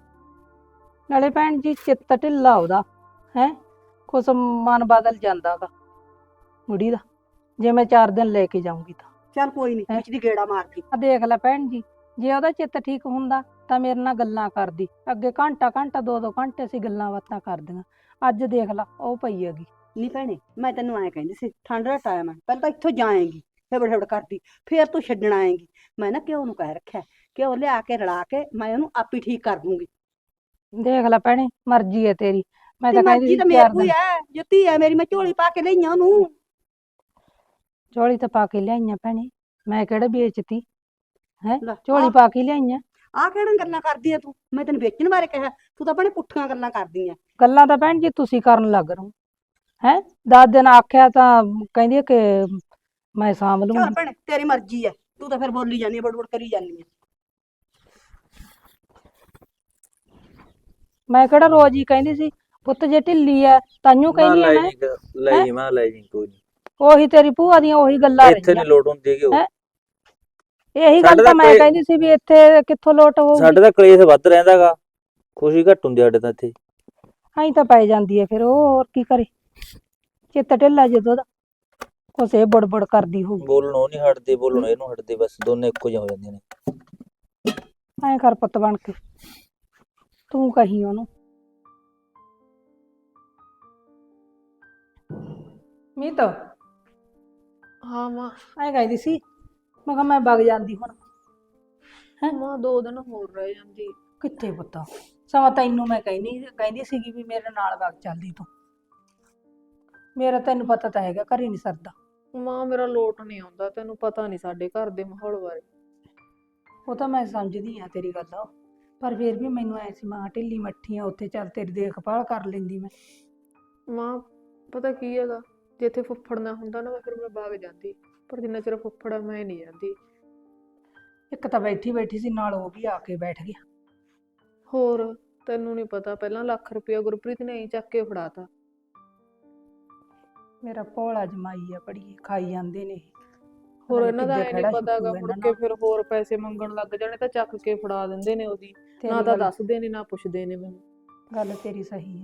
Speaker 5: ਨਾਲੇ ਭੈਣ ਜੀ ਚਿੱਤ ਢਿੱਲਾ ਉਹਦਾ ਹੈ, ਕੁਛ ਮਨ ਬਦਲ ਜਾਂਦਾਗਾ ਬੁੜੀ ਦਾ, ਜੇ ਮੈਂ 4 ਦਿਨ ਲੈ ਕੇ ਜਾਊਂਗੀ ਤਾਂ।
Speaker 3: ਚੱਲ ਕੋਈ ਨਹੀਂ,
Speaker 5: ਹੈਂ?
Speaker 3: ਵਿੱਚ ਦੀ ਗੇੜਾ ਮਾਰਦੀ।
Speaker 5: ਆ ਦੇਖ ਲੈ ਭੈਣ ਜੀ, ਜੇ ਉਹਦਾ ਚਿੱਤ ਠੀਕ ਹੁੰਦਾ ਤਾਂ ਮੇਰੇ ਨਾਲ ਗੱਲਾਂ ਕਰਦੀ, ਅੱਗੇ ਘੰਟਾ ਘੰਟਾ 2-2 ਘੰਟੇ ਅਸੀਂ ਗੱਲਾਂ ਬਾਤਾਂ ਕਰਦੀਆਂ। ਅੱਜ ਦੇਖ ਲਾ ਉਹ ਪਈ ਹੈਗੀ।
Speaker 3: ਨਹੀਂ ਭੈਣੇ, ਮੈਂ ਤੈਨੂੰ ਐਂ ਕਹਿੰਦੀ ਸੀ, ਠੰਡ ਦਾ ਟਾਈਮ ਹੈ, ਪਹਿਲਾਂ ਤਾਂ ਇੱਥੋਂ ਜਾਏਂਗੀ ਹਿਬੜ ਹਿਬੜ ਕਰਦੀ, ਫੇਰ ਤੂੰ ਛੱਡਣ ਆਏਂਗੀ। ਮੈਂ ਨਾ ਘਿਓ ਨੂੰ ਕਹਿ ਰੱਖਿਆ, ਘਿਓ ਲਿਆ ਕੇ ਰਲਾ ਕੇ ਮੈਂ ਉਹਨੂੰ ਆਪੇ ਠੀਕ ਕਰ ਦੂੰਗੀ।
Speaker 5: ਦੇਖ ਲੈ ਭੈਣੇ, ਮਰਜ਼ੀ ਹੈ ਤੇਰੀ, ਮੈਂ
Speaker 3: ਤੇ
Speaker 5: ਤਾਂ ਕਹਿੰਦੀ
Speaker 3: ਮਰਜ਼ੀ
Speaker 5: ਸੀ
Speaker 3: ਤਾਂ
Speaker 5: 4
Speaker 3: ਮੇਰੀ ਕੋਈ
Speaker 5: ਦਿਨ।
Speaker 3: ਹੈ, ਜੁੱਤੀ ਹੈ ਮੇਰੀ, ਮੈਂ ਝੋਲੀ ਪਾ ਕੇ ਲਈਆਂ ਉਹਨੂੰ।
Speaker 5: ਝੋਲੀ ਤਾਂ ਪਾ ਕੇ ਲਿਆਈਆਂ ਭੈਣੇ, ਮੈਂ ਕਿਹੜਾ ਵੇਚਤੀ ਹੈ,
Speaker 3: ਲੈ,
Speaker 5: ਝੋਲੀ ਪਾ ਕੇ ਲਿਆਈਆਂ।
Speaker 3: ਆਹ ਕਿਹੜੀਆਂ ਗੱਲਾਂ ਕਰਦੀ ਆ ਤੂੰ, ਮੈਂ ਤੈਨੂੰ ਵੇਚਣ ਬਾਰੇ ਕਿਹਾ, ਤੂੰ ਤਾਂ ਆਪਣੇ ਪੁੱਠੀਆਂ ਗੱਲਾਂ ਕਰਦੀ ਆ।
Speaker 5: ਗੱਲਾਂ ਤਾਂ ਭੈਣ ਜੀ ਤੁਸੀਂ ਕਰਨ ਲੱਗ ਰਹੋ ਹੈ, 10 ਦਿਨ ਆਖਿਆ ਤਾਂ ਕਹਿੰਦੀ ਆ ਕਿ ਮੈਂ ਸਾਂਭ
Speaker 3: ਚੱਲ
Speaker 5: ਲੂੰਗੀ।
Speaker 3: ਭੈਣੇ ਤੇਰੀ ਮਰਜ਼ੀ ਹੈ, ਤੂੰ ਤਾਂ ਫਿਰ ਬੋਲੀ ਜਾਂਦੀ ਆ, ਬੜਬੜ ਕਰੀ ਜਾਂਦੀ ਆ।
Speaker 5: ਮੈਂ ਕਿਹੜਾ ਰੋਜ਼ ਹੀ ਕਹਿੰਦੀ ਸੀ ਪੁੱਤ ਜੇ ਢਿੱਲੀ ਐ ਤਾਈਓ
Speaker 6: ਨਾ
Speaker 5: ਕਹਿੰਦੀ ਆ
Speaker 6: ਲੈ
Speaker 5: ਮੈਂ।
Speaker 6: ਜੀ, ਲੈ ਜੀ ਮੈਂ ਲੈ ਜੀ, ਕੋਈ ਨਹੀਂ।
Speaker 5: ਉਹੀ ਤੇਰੀ ਭੂਆ ਦੀਆਂ ਉਹੀ ਗੱਲਾਂ
Speaker 6: ਇੱਥੇ
Speaker 5: ਰਹੀਆਂ।
Speaker 6: ਨਹੀਂ ਲੋਟ ਹੁੰਦੀ ਹੈਗੀ ਉਹ।
Speaker 5: ਹੈਂ? ਇਹੀ
Speaker 6: ਸਾਡੇ
Speaker 5: ਗੱਲ ਤਾਂ
Speaker 6: ਤਾਂ
Speaker 5: ਮੈਂ
Speaker 6: ਕੋਈ-
Speaker 5: ਕਹਿੰਦੀ ਸੀ ਵੀ ਇੱਥੇ ਕਿੱਥੋਂ ਲੋਟ ਹੋਊਗੀ।
Speaker 6: ਸਾਡੇ ਤਾਂ ਕਲੇਸ਼ ਵੱਧ ਰਹਿੰਦਾਗਾ, ਖੁਸ਼ੀ ਘੱਟ ਹੁੰਦੀ ਸਾਡੇ ਤਾਂ ਇੱਥੇ।
Speaker 5: ਐਂ ਤਾਂ ਪੈ ਜਾਂਦੀ ਐ ਫਿਰ ਉਹ, ਹੋਰ ਕੀ ਕਰੇ, ਚਿੱਤ ਢਿੱਲਾ ਜਦੋਂ ਦਾ ਕੁਛ ਇਹ ਬੜਬੜ ਕਰਦੀ ਹੋਊ।
Speaker 6: ਬੋਲਣ ਉਹ ਨਹੀਂ ਹਟਦੀ, ਬੋਲਣ ਇਹਨੂੰ ਹਟਦੀ, ਬਸ ਦੋਨੇ ਇੱਕੋ ਜਿਹੀਆਂ ਹੋ ਜਾਂਦੀਆਂ ਨੇ।
Speaker 5: ਐਂ ਕਰ ਪੁੱਤ ਬਣ ਕੇ, ਤੂੰ ਕਹੀ ਉਹਨੂੰ। ਮੀਤ
Speaker 4: ਹਾਂ ਮਾਂ।
Speaker 5: ਐਂ ਕਹਿੰਦੀ ਸੀ, ਮੈਂ ਕਿਹਾ ਮੈਂ ਵਗ ਜਾਂਦੀ ਹੁਣ। ਹੈਂ?
Speaker 4: ਮਾਂ 2 ਦਿਨ ਹੋਰ ਰਹਿ ਜਾਂਦੀ।
Speaker 5: ਕਿੱਥੇ ਪੁੱਤ, ਸਮਾਂ ਤੈਨੂੰ ਮੈਂ ਕਹਿੰਦੀ ਸੀਗੀ ਵੀ ਮੇਰੇ ਨਾਲ ਵਗ ਚੱਲਦੀ ਤੂੰ, ਮੇਰਾ ਤੈਨੂੰ ਪਤਾ ਤਾਂ ਹੈਗਾ ਘਰੇ ਨਹੀਂ ਸਰਦਾ।
Speaker 4: ਮਾਂ ਮੇਰਾ ਲੋਟ ਨਹੀਂ ਆਉਂਦਾ, ਤੈਨੂੰ ਪਤਾ ਨਹੀਂ ਸਾਡੇ ਘਰ ਦੇ ਮਾਹੌਲ ਬਾਰੇ।
Speaker 5: ਉਹ ਤਾਂ ਮੈਂ ਸਮਝਦੀ ਆ ਤੇਰੀ ਗੱਲ, ਪਰ ਫਿਰ ਵੀ ਮੈਨੂੰ ਐ ਸੀ ਮਾਂ ਢਿੱਲੀ ਮੱਠੀ ਆ, ਉੱਥੇ ਚੱਲ ਤੇਰੀ ਦੇਖਭਾਲ ਕਰ ਲੈਂਦੀ ਮੈਂ।
Speaker 4: ਮਾਂ ਪਤਾ ਕੀ ਹੈਗਾ, ਜੇ ਇੱਥੇ ਫੁੱਫੜ ਨਾ ਹੁੰਦਾ ਨਾ ਫਿਰ ਮੈਂ ਵਗ ਜਾਂਦੀ, ਪਰ ਜਿੰਨਾ ਚਿਰ ਫੁੱਫੜ ਆ ਮੈਂ ਨਹੀਂ ਜਾਂਦੀ।
Speaker 5: ਇੱਕ ਤਾਂ ਬੈਠੀ ਬੈਠੀ ਸੀ ਨਾਲ ਉਹ ਵੀ ਆ ਕੇ ਬੈਠ ਗਿਆ।
Speaker 4: ਹੋਰ ਤੈਨੂੰ ਨਹੀਂ ਪਤਾ, ਪਹਿਲਾਂ ਲੱਖ ਰੁਪਇਆ ਗੁਰਪ੍ਰੀਤ ਨੇ ਐਂ ਚੱਕ ਕੇ ਫੜਾਤਾ।
Speaker 5: ਮੇਰਾ ਭੋਲਾ ਜਮਾਈ ਆ ਬੜੀ ਖਾਈ ਜਾਂਦੇ ਨੇ ਇਹ।
Speaker 4: ਹੋਰ
Speaker 5: ਪਤਾ ਨੀ
Speaker 4: ਇਹਨਾਂ ਦਾ
Speaker 5: ਕਿੱਦੇ
Speaker 4: ਐ ਨਹੀਂ
Speaker 5: ਖਹਿੜਾ
Speaker 4: ਪਤਾਗਾ,
Speaker 5: ਛੁੱਟੂ
Speaker 4: ਮੁੜ
Speaker 5: ਇਹਨਾਂ
Speaker 4: ਕੇ
Speaker 5: ਨਾਲ।
Speaker 4: ਫਿਰ ਹੋਰ ਪੈਸੇ ਮੰਗਣ ਲੱਗ ਜਾਣੇ ਤਾਂ ਚੱਕ ਕੇ ਫੜਾ ਦਿੰਦੇ ਨੇ ਉਹਦੀ। ਨਾ
Speaker 5: ਤੇਰੀ
Speaker 4: ਤਾਂ
Speaker 5: ਗੱਲ
Speaker 4: ਦੱਸਦੇ ਨੇ ਨਾ ਪੁੱਛਦੇ ਨੇ ਮੈਨੂੰ।
Speaker 5: ਗੱਲ ਤੇਰੀ ਸਹੀ ਆ।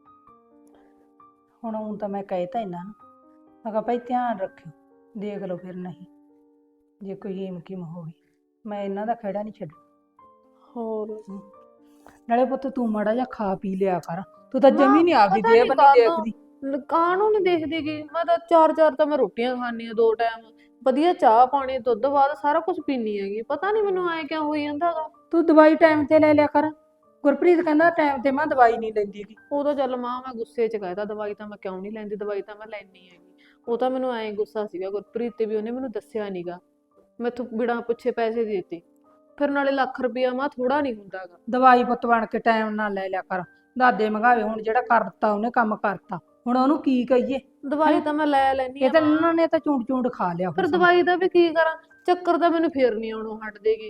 Speaker 5: ਹੁਣ ਊਂ ਤਾਂ ਮੈਂ ਕਹਿਤਾ ਇਹਨਾਂ ਨੂੰ, ਮੈਂ ਕਿਹਾ ਭਾਈ ਧਿਆਨ ਰੱਖਿਓ, ਦੇਖ ਲਓ ਫਿਰ ਨਹੀਂ ਜੇ ਕੋਈ ਏਮ ਕਿਮ ਹੋਵੇ, ਮੈਂ ਇਹਨਾਂ ਦਾ ਖਹਿੜਾ ਨਹੀਂ ਛੱਡ।
Speaker 4: ਹੋਰ
Speaker 5: ਨਾਲੇ ਪੁੱਤ ਤੂੰ ਮਾੜਾ ਜਿਹਾ ਖਾ ਪੀ ਲਿਆ ਕਰ, ਤੂੰ ਤਾਂ
Speaker 4: ਨਾ,
Speaker 5: ਜਮੀ ਨਹੀਂ ਆਪਦੀ
Speaker 4: ਪਤਾ
Speaker 5: ਦੇਹ
Speaker 4: ਨੀ
Speaker 5: ਬੰਨੀ
Speaker 4: ਕਾਹਤੋਂ
Speaker 5: ਦੇਖਦੀ।
Speaker 4: ਕਾਹਨੂੰ ਨਹੀਂ ਦੇਖਦੀ ਗੀ, ਮੈਂ ਤਾਂ ਚਾਰ ਤਾਂ ਮੈਂ ਰੋਟੀਆਂ ਖਾਣੀ ਆ 2 ਟਾਈਮ, ਵਧੀਆ ਚਾਹ ਪਾਣੀ ਦੁੱਧ ਬਾਅਦ ਸਾਰਾ ਕੁਝ ਪੀਣੀ ਹੈਗੀ। ਪਤਾ ਨਹੀਂ ਮੈਨੂੰ ਐ ਕਿਉਂ ਹੋਈ ਜਾਂਦਾ ਗਾ।
Speaker 5: ਤੂੰ ਦਵਾਈ ਟਾਈਮ ਤੇ ਲੈ ਲਿਆ ਕਰ। ਗੁਰਪ੍ਰੀਤ ਕਹਿੰਦਾ ਟਾਈਮ ਤੇ ਮੈਂ ਦਵਾਈ ਨਹੀਂ ਲੈਂਦੀ ਗੀ।
Speaker 4: ਉਦੋਂ ਚੱਲ ਮਾਂ ਮੈਂ ਗੁੱਸੇ 'ਚ ਕਹਿਤਾ, ਦਵਾਈ ਤਾਂ ਮੈਂ ਕਿਉਂ ਨਹੀਂ ਲੈਂਦੀ, ਦਵਾਈ ਤਾਂ ਮੈਂ ਲੈਣੀ ਹੈਗੀ। ਉਹ ਤਾਂ ਮੈਨੂੰ ਐਂ ਗੁੱਸਾ ਸੀਗਾ ਗੁਰਪ੍ਰੀਤ ਤੇ ਵੀ, ਉਹਨੇ ਮੈਨੂੰ ਦੱਸਿਆ ਨੀਗਾ, ਮੈਥੋਂ ਬਿਨਾਂ ਪੁੱਛੇ ਪੈਸੇ ਦੇ ਦਿੱਤੇ। ਫਿਰ ਨਾਲੇ ਲੱਖ ਰੁਪਇਆ ਮਾਂ ਥੋੜਾ ਨਹੀਂ ਹੁੰਦਾ ਗਾ।
Speaker 5: ਦਵਾਈ ਪੁੱਤ ਬਣ ਕੇ ਟਾਈਮ ਨਾਲ ਲੈ ਲਿਆ ਕਰ। ਦਾਦੇ ਮੰਗਾਵੇ, ਹੁਣ ਜਿਹੜਾ ਕਰਤਾ ਉਹਨੇ ਕੰਮ ਕਰਤਾ, ਹੁਣ ਉਹਨੂੰ ਕੀ ਕਹੀਏ।
Speaker 4: ਦਵਾਈ ਤਾਂ ਮੈਂ ਲੈ ਲੈਣੀ
Speaker 5: ਇਹ
Speaker 4: ਆ
Speaker 5: ਤਾਂ
Speaker 4: ਮਾਂ,
Speaker 5: ਇਹਨਾਂ ਨੇ ਤਾਂ ਚੂੰਡ ਚੂੰਡ ਖਾ ਲਿਆ
Speaker 4: ਫਿਰ
Speaker 5: ਹੁਣ
Speaker 4: ਦਵਾਈ ਦਾ ਵੀ ਕੀ ਕਰਾਂ, ਚੱਕਰ ਤਾਂ ਮੈਨੂੰ ਫੇਰ ਨਹੀਂ ਆਉਣੋਂ ਹਟਦੇਗੀ।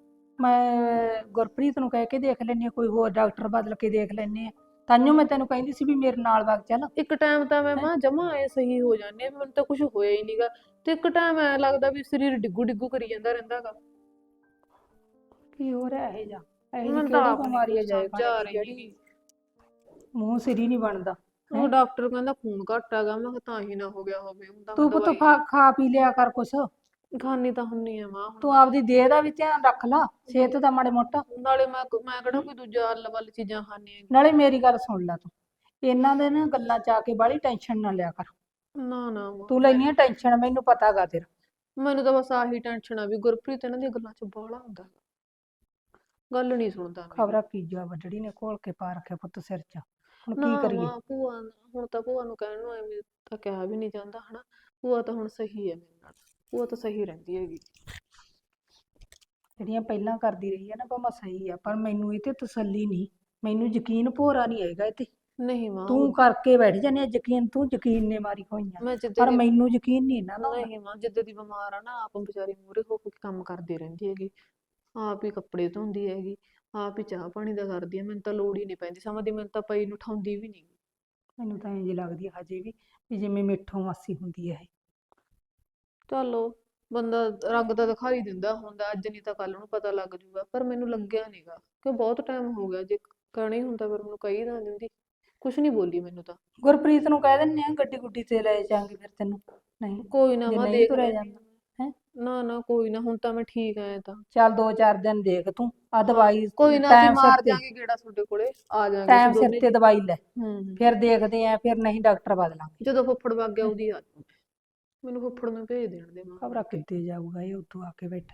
Speaker 5: ਮੈਂ ਗੁਰਪ੍ਰੀਤ ਨੂੰ ਕਹਿ ਕੇ ਦੇਖ ਲੈਣੀ ਆ, ਕੋਈ ਹੋਰ ਡਾਕਟਰ ਬਦਲ ਕੇ ਦੇਖ ਲੈਣੇ ਆ। ਤਾਂਹੀਓ ਮੈਂ ਤੈਨੂੰ ਕਹਿੰਦੀ ਸੀ ਵੀ ਮੇਰੇ ਨਾਲ ਵਗ ਚੱਲ।
Speaker 4: ਇੱਕ ਟਾਈਮ ਤਾਂ ਮੈਂ ਮਾਂ ਜਮਾ ਐ ਸਹੀ ਹੋ ਜਾਂਦੀ ਆ, ਮੈਨੂੰ ਤਾਂ ਕੁਝ ਹੋਇਆ ਹੀ ਨਹੀਂਗਾ, ਤੇ ਇੱਕ ਟਾਈਮ ਐ ਲੱਗਦਾ ਵੀ ਸਰੀਰ ਡਿੱਗੂ ਡਿੱਗੂ ਕਰੀ ਜਾਂਦਾ ਰਹਿੰਦਾ ਗਾ।
Speaker 5: ਕੀ ਹੋ ਰਿਹਾ ਇਹ ਜਾ ਇਹ
Speaker 4: ਮੈਨੂੰ ਤਾਂ
Speaker 5: ਕਿਹੜੀ
Speaker 4: ਆਪ ਨੀ
Speaker 5: ਬਿਮਾਰੀ ਆ
Speaker 4: ਕੁਛ
Speaker 5: ਜਾਏ
Speaker 4: ਸਮਝ ਆ
Speaker 5: ਖਾਣੇ ਦੀ
Speaker 4: ਰਹੀ
Speaker 5: ਜਿਹੜੀ
Speaker 4: ਗੀ।
Speaker 5: ਮੂੰਹ ਸਿਰ ਹੀ ਨਹੀਂ ਬਣਦਾ।
Speaker 4: ਉਹ ਡਾਕਟਰ ਕਹਿੰਦਾ ਖੂਨ ਘੱਟ ਹੈਗਾ, ਮੈਂ ਕਿਹਾ ਤਾਂ ਹੀ ਨਾ ਹੋ ਗਿਆ ਹੋਵੇ। ਹੁਣ ਤਾਂ ਮੈਂ
Speaker 5: ਤੂੰ ਪੁੱਤ
Speaker 4: ਦਵਾਈ
Speaker 5: ਖਾ ਪੀ ਲਿਆ ਕਰ ਕੁਛ।
Speaker 4: ਖਾਣੀ ਤਾਂ ਹੁੰਨੀ ਆ ਮਾਂ ਹੁਣ।
Speaker 5: ਤੂੰ ਆਪਦੀ ਦੇਹ ਦਾ ਵੀ ਧਿਆਨ ਰੱਖ ਲਾ, ਸਿਹਤ ਦਾ ਮਾੜੇ ਮੋਟਾ।
Speaker 4: ਨਾਲੇ ਮੈਂ ਕਿਹੜਾ ਕੋਈ ਦੂਜਾ ਅੱਲ ਵੱਲ ਚੀਜ਼ਾਂ ਖਾਣੀ ਹੈਗੀ।
Speaker 5: ਨਾਲੇ ਮੇਰੀ ਗੱਲ ਸੁਣ ਲੈ ਤੂੰ, ਇਹਨਾਂ ਦੇ ਨਾ ਗੱਲਾਂ ਚ ਆ ਕੇ ਬਾਹਲੀ ਟੈਨਸ਼ਨ ਨਾ ਲਿਆ ਕਰ।
Speaker 4: ਨਾ ਨਾ ਮਾਂ,
Speaker 5: ਤੂੰ ਲੈਣੀ ਆ ਟੈਨਸ਼ਨ, ਮੈਨੂੰ ਪਤਾ ਗਾ ਤੇਰਾ।
Speaker 4: ਮੈਨੂੰ ਤਾਂ ਬਸ ਆਹੀ ਟੈਨਸ਼ਨ ਆ ਵੀ ਗੁਰਪ੍ਰੀਤ ਇਹਨਾਂ ਦੀਆਂ ਗੱਲਾਂ 'ਚ ਬਾਹਲਾ ਹੁੰਦਾ ਗਾ। ਗੱਲ ਨਹੀਂ ਸੁਣਦਾ ਮੇਰੀ।
Speaker 5: ਖਬਰਾਂ ਕੀ ਜਾ ਵੱਡੜੀ ਨੇ ਘੋਲ ਕੇ ਪਾ ਰੱਖਿਆ ਪੁੱਤ ਸਿਰ 'ਚ। ਹੁਣ ਕੀ
Speaker 4: ਨਾ
Speaker 5: ਕਰੀਏ।
Speaker 4: ਮਾਂ ਭੂਆ ਹੁਣ ਤਾਂ ਭੂਆ ਨੂੰ ਕਹਿਣ ਨੂੰ ਐਵੇਂ ਤਾਂ ਕਿਹਾ ਵੀ ਨਹੀਂ ਜਾਂਦਾ ਹਨਾ। ਭੂਆ ਤਾਂ ਹੁਣ ਸਹੀ ਹੈ ਮੇਰੇ ਨਾਲ, ਭੂਆ ਤਾਂ ਸਹੀ ਰਹਿੰਦੀ ਹੈਗੀ।
Speaker 5: ਜਿਹੜੀਆਂ ਪਹਿਲਾਂ ਕਰਦੀ ਰਹੀ ਹੈ ਨਾ ਭਾਵੇਂ ਸਹੀ ਆ, ਪਰ ਮੈਨੂੰ ਇਹ ਤੇ ਤਸੱਲੀ ਨਹੀਂ, ਮੈਨੂੰ ਯਕੀਨ ਭੋਰਾ ਨਹੀਂ ਹੈਗਾ ਇਹ ਤੇ।
Speaker 4: ਨਹੀਂ ਮਾਂ
Speaker 5: ਤੂੰ ਕਰਕੇ ਬੈਠ ਜਾਂਦੀ ਆ ਯਕੀਨ, ਤੂੰ ਯਕੀਨ ਨੇ ਮਾਰੀ ਹੋਈਆਂ,
Speaker 4: ਮੈਂ ਜਿੱਦੇ
Speaker 5: ਪਰ
Speaker 4: ਦੀ
Speaker 5: ਮੈਨੂੰ ਯਕੀਨ ਨਹੀਂ ਇਹਨਾਂ ਦਾ।
Speaker 4: ਨਹੀਂ ਮਾਂ ਜਿੱਦੇ ਦੀ ਬਿਮਾਰ ਆ ਨਾ, ਆਪ ਵਿਚਾਰੀ ਮੂਹਰੇ ਹੋ ਕੇ ਕੰਮ ਕਰਦੀ ਰਹਿੰਦੀ ਹੈਗੀ। ਆਪ ਹੀ ਕੱਪੜੇ ਧੋਂਦੀ ਹੈਗੀ, ਆਪ ਹੀ ਚਾਹ ਪਾਣੀ ਦਾ ਕਰਦੀ ਹੈ। ਮੈਨੂੰ ਤਾਂ ਲੋੜ ਹੀ ਨਹੀਂ ਪੈਂਦੀ ਸਮਝਦੀ, ਮੈਨੂੰ ਤਾਂ ਪਈ ਨੂੰ ਉਠਾਉਂਦੀ ਵੀ ਨਹੀਂ।
Speaker 5: ਮੈਨੂੰ ਤਾਂ ਇੰਝ ਲੱਗਦੀ ਹੈ ਹਜੇ ਵੀ ਜਿਵੇਂ ਮੇਥੋਂ ਮਾਸੀ ਹੁੰਦੀ ਹੈ ਇਹ।
Speaker 4: ਚਲੋ ਬੰਦਾ ਰੰਗ ਤਾਂ ਦਿਖਾ ਹੀ ਦਿੰਦਾ ਹੁੰਦਾ, ਅੱਜ ਨਹੀਂ ਤਾਂ ਕੱਲ ਨੂੰ ਪਤਾ ਲੱਗ ਜੂਗਾ, ਪਰ ਮੈਨੂੰ ਲੱਗਿਆ ਨੀਗਾ ਕਿ ਬਹੁਤ ਟਾਈਮ ਹੋ ਗਿਆ। ਜੇ ਕਹਿਣਾ ਹੀ ਹੁੰਦਾ ਫਿਰ ਮੈਨੂੰ ਕਹੀ ਨਾ ਦਿੰਦੀ, ਕੁਛ ਨਹੀਂ ਬੋਲੀ ਮੈਨੂੰ ਤਾਂ।
Speaker 5: ਗੁਰਪ੍ਰੀਤ ਨੂੰ ਕਹਿ ਦਿੰਦੇ ਆ ਗੱਡੀ ਗੁੱਡੀ ਤੇ ਲੈ ਜਾਾਂਗੇ ਫਿਰ ਤੈਨੂੰ। ਨਹੀਂ
Speaker 4: ਕੋਈ ਨਾ
Speaker 5: ਜੇ
Speaker 4: ਮੈਂ
Speaker 5: ਨਹੀਂ
Speaker 4: ਦੇਖ
Speaker 5: ਤੁਰਿਆ
Speaker 4: ਲੈਂਦੀ
Speaker 5: ਜਾਂਦਾ
Speaker 4: ਹਾਂ।
Speaker 5: ਹੈ।
Speaker 4: ਨਾ ਨਾ ਕੋਈ ਨਾ, ਹੁਣ ਤਾਂ ਮੈਂ ਠੀਕ ਐ ਤਾਂ।
Speaker 5: ਚੱਲ 2-4 ਦਿਨ ਦੇਖ ਤੂੰ ਆ ਦਵਾਈ
Speaker 4: ਕੋਈ ਨਾ ਅਸੀਂ
Speaker 5: ਟਾਈਮ
Speaker 4: ਮਾਰ
Speaker 5: ਸਿਰ ਤੇ,
Speaker 4: ਜਾਾਂਗੇ ਗੇੜਾ ਤੁਹਾਡੇ ਕੋਲੇ, ਆ ਜਾਾਂਗੇ
Speaker 5: ਟਾਈਮ
Speaker 4: ਅਸੀਂ
Speaker 5: ਸਿਰ
Speaker 4: ਦੋਨੇ।
Speaker 5: ਤੇ ਦਵਾਈ ਲੈ,
Speaker 4: ਹੂੰ
Speaker 5: ਫਿਰ ਦੇਖਦੇ ਆ, ਫਿਰ ਨਹੀਂ ਡਾਕਟਰ ਬਦਲਾਂਗੇ।
Speaker 4: ਜਦੋਂ ਫੁੱਫੜ ਵਗ ਗਿਆ ਉਹਦੀ ਆ ਜਾਊਂ। ਮੈਨੂੰ ਫੁੱਫੜ ਨੂੰ ਭੇਜ ਦੇਣ ਦੇ ਮਾਂ।
Speaker 5: ਖਬਰਾਂ ਕਿੱਥੇ ਜਾਊਗਾ ਇਹ ਉੱਥੋਂ ਆ ਕੇ ਬੈਠਾ।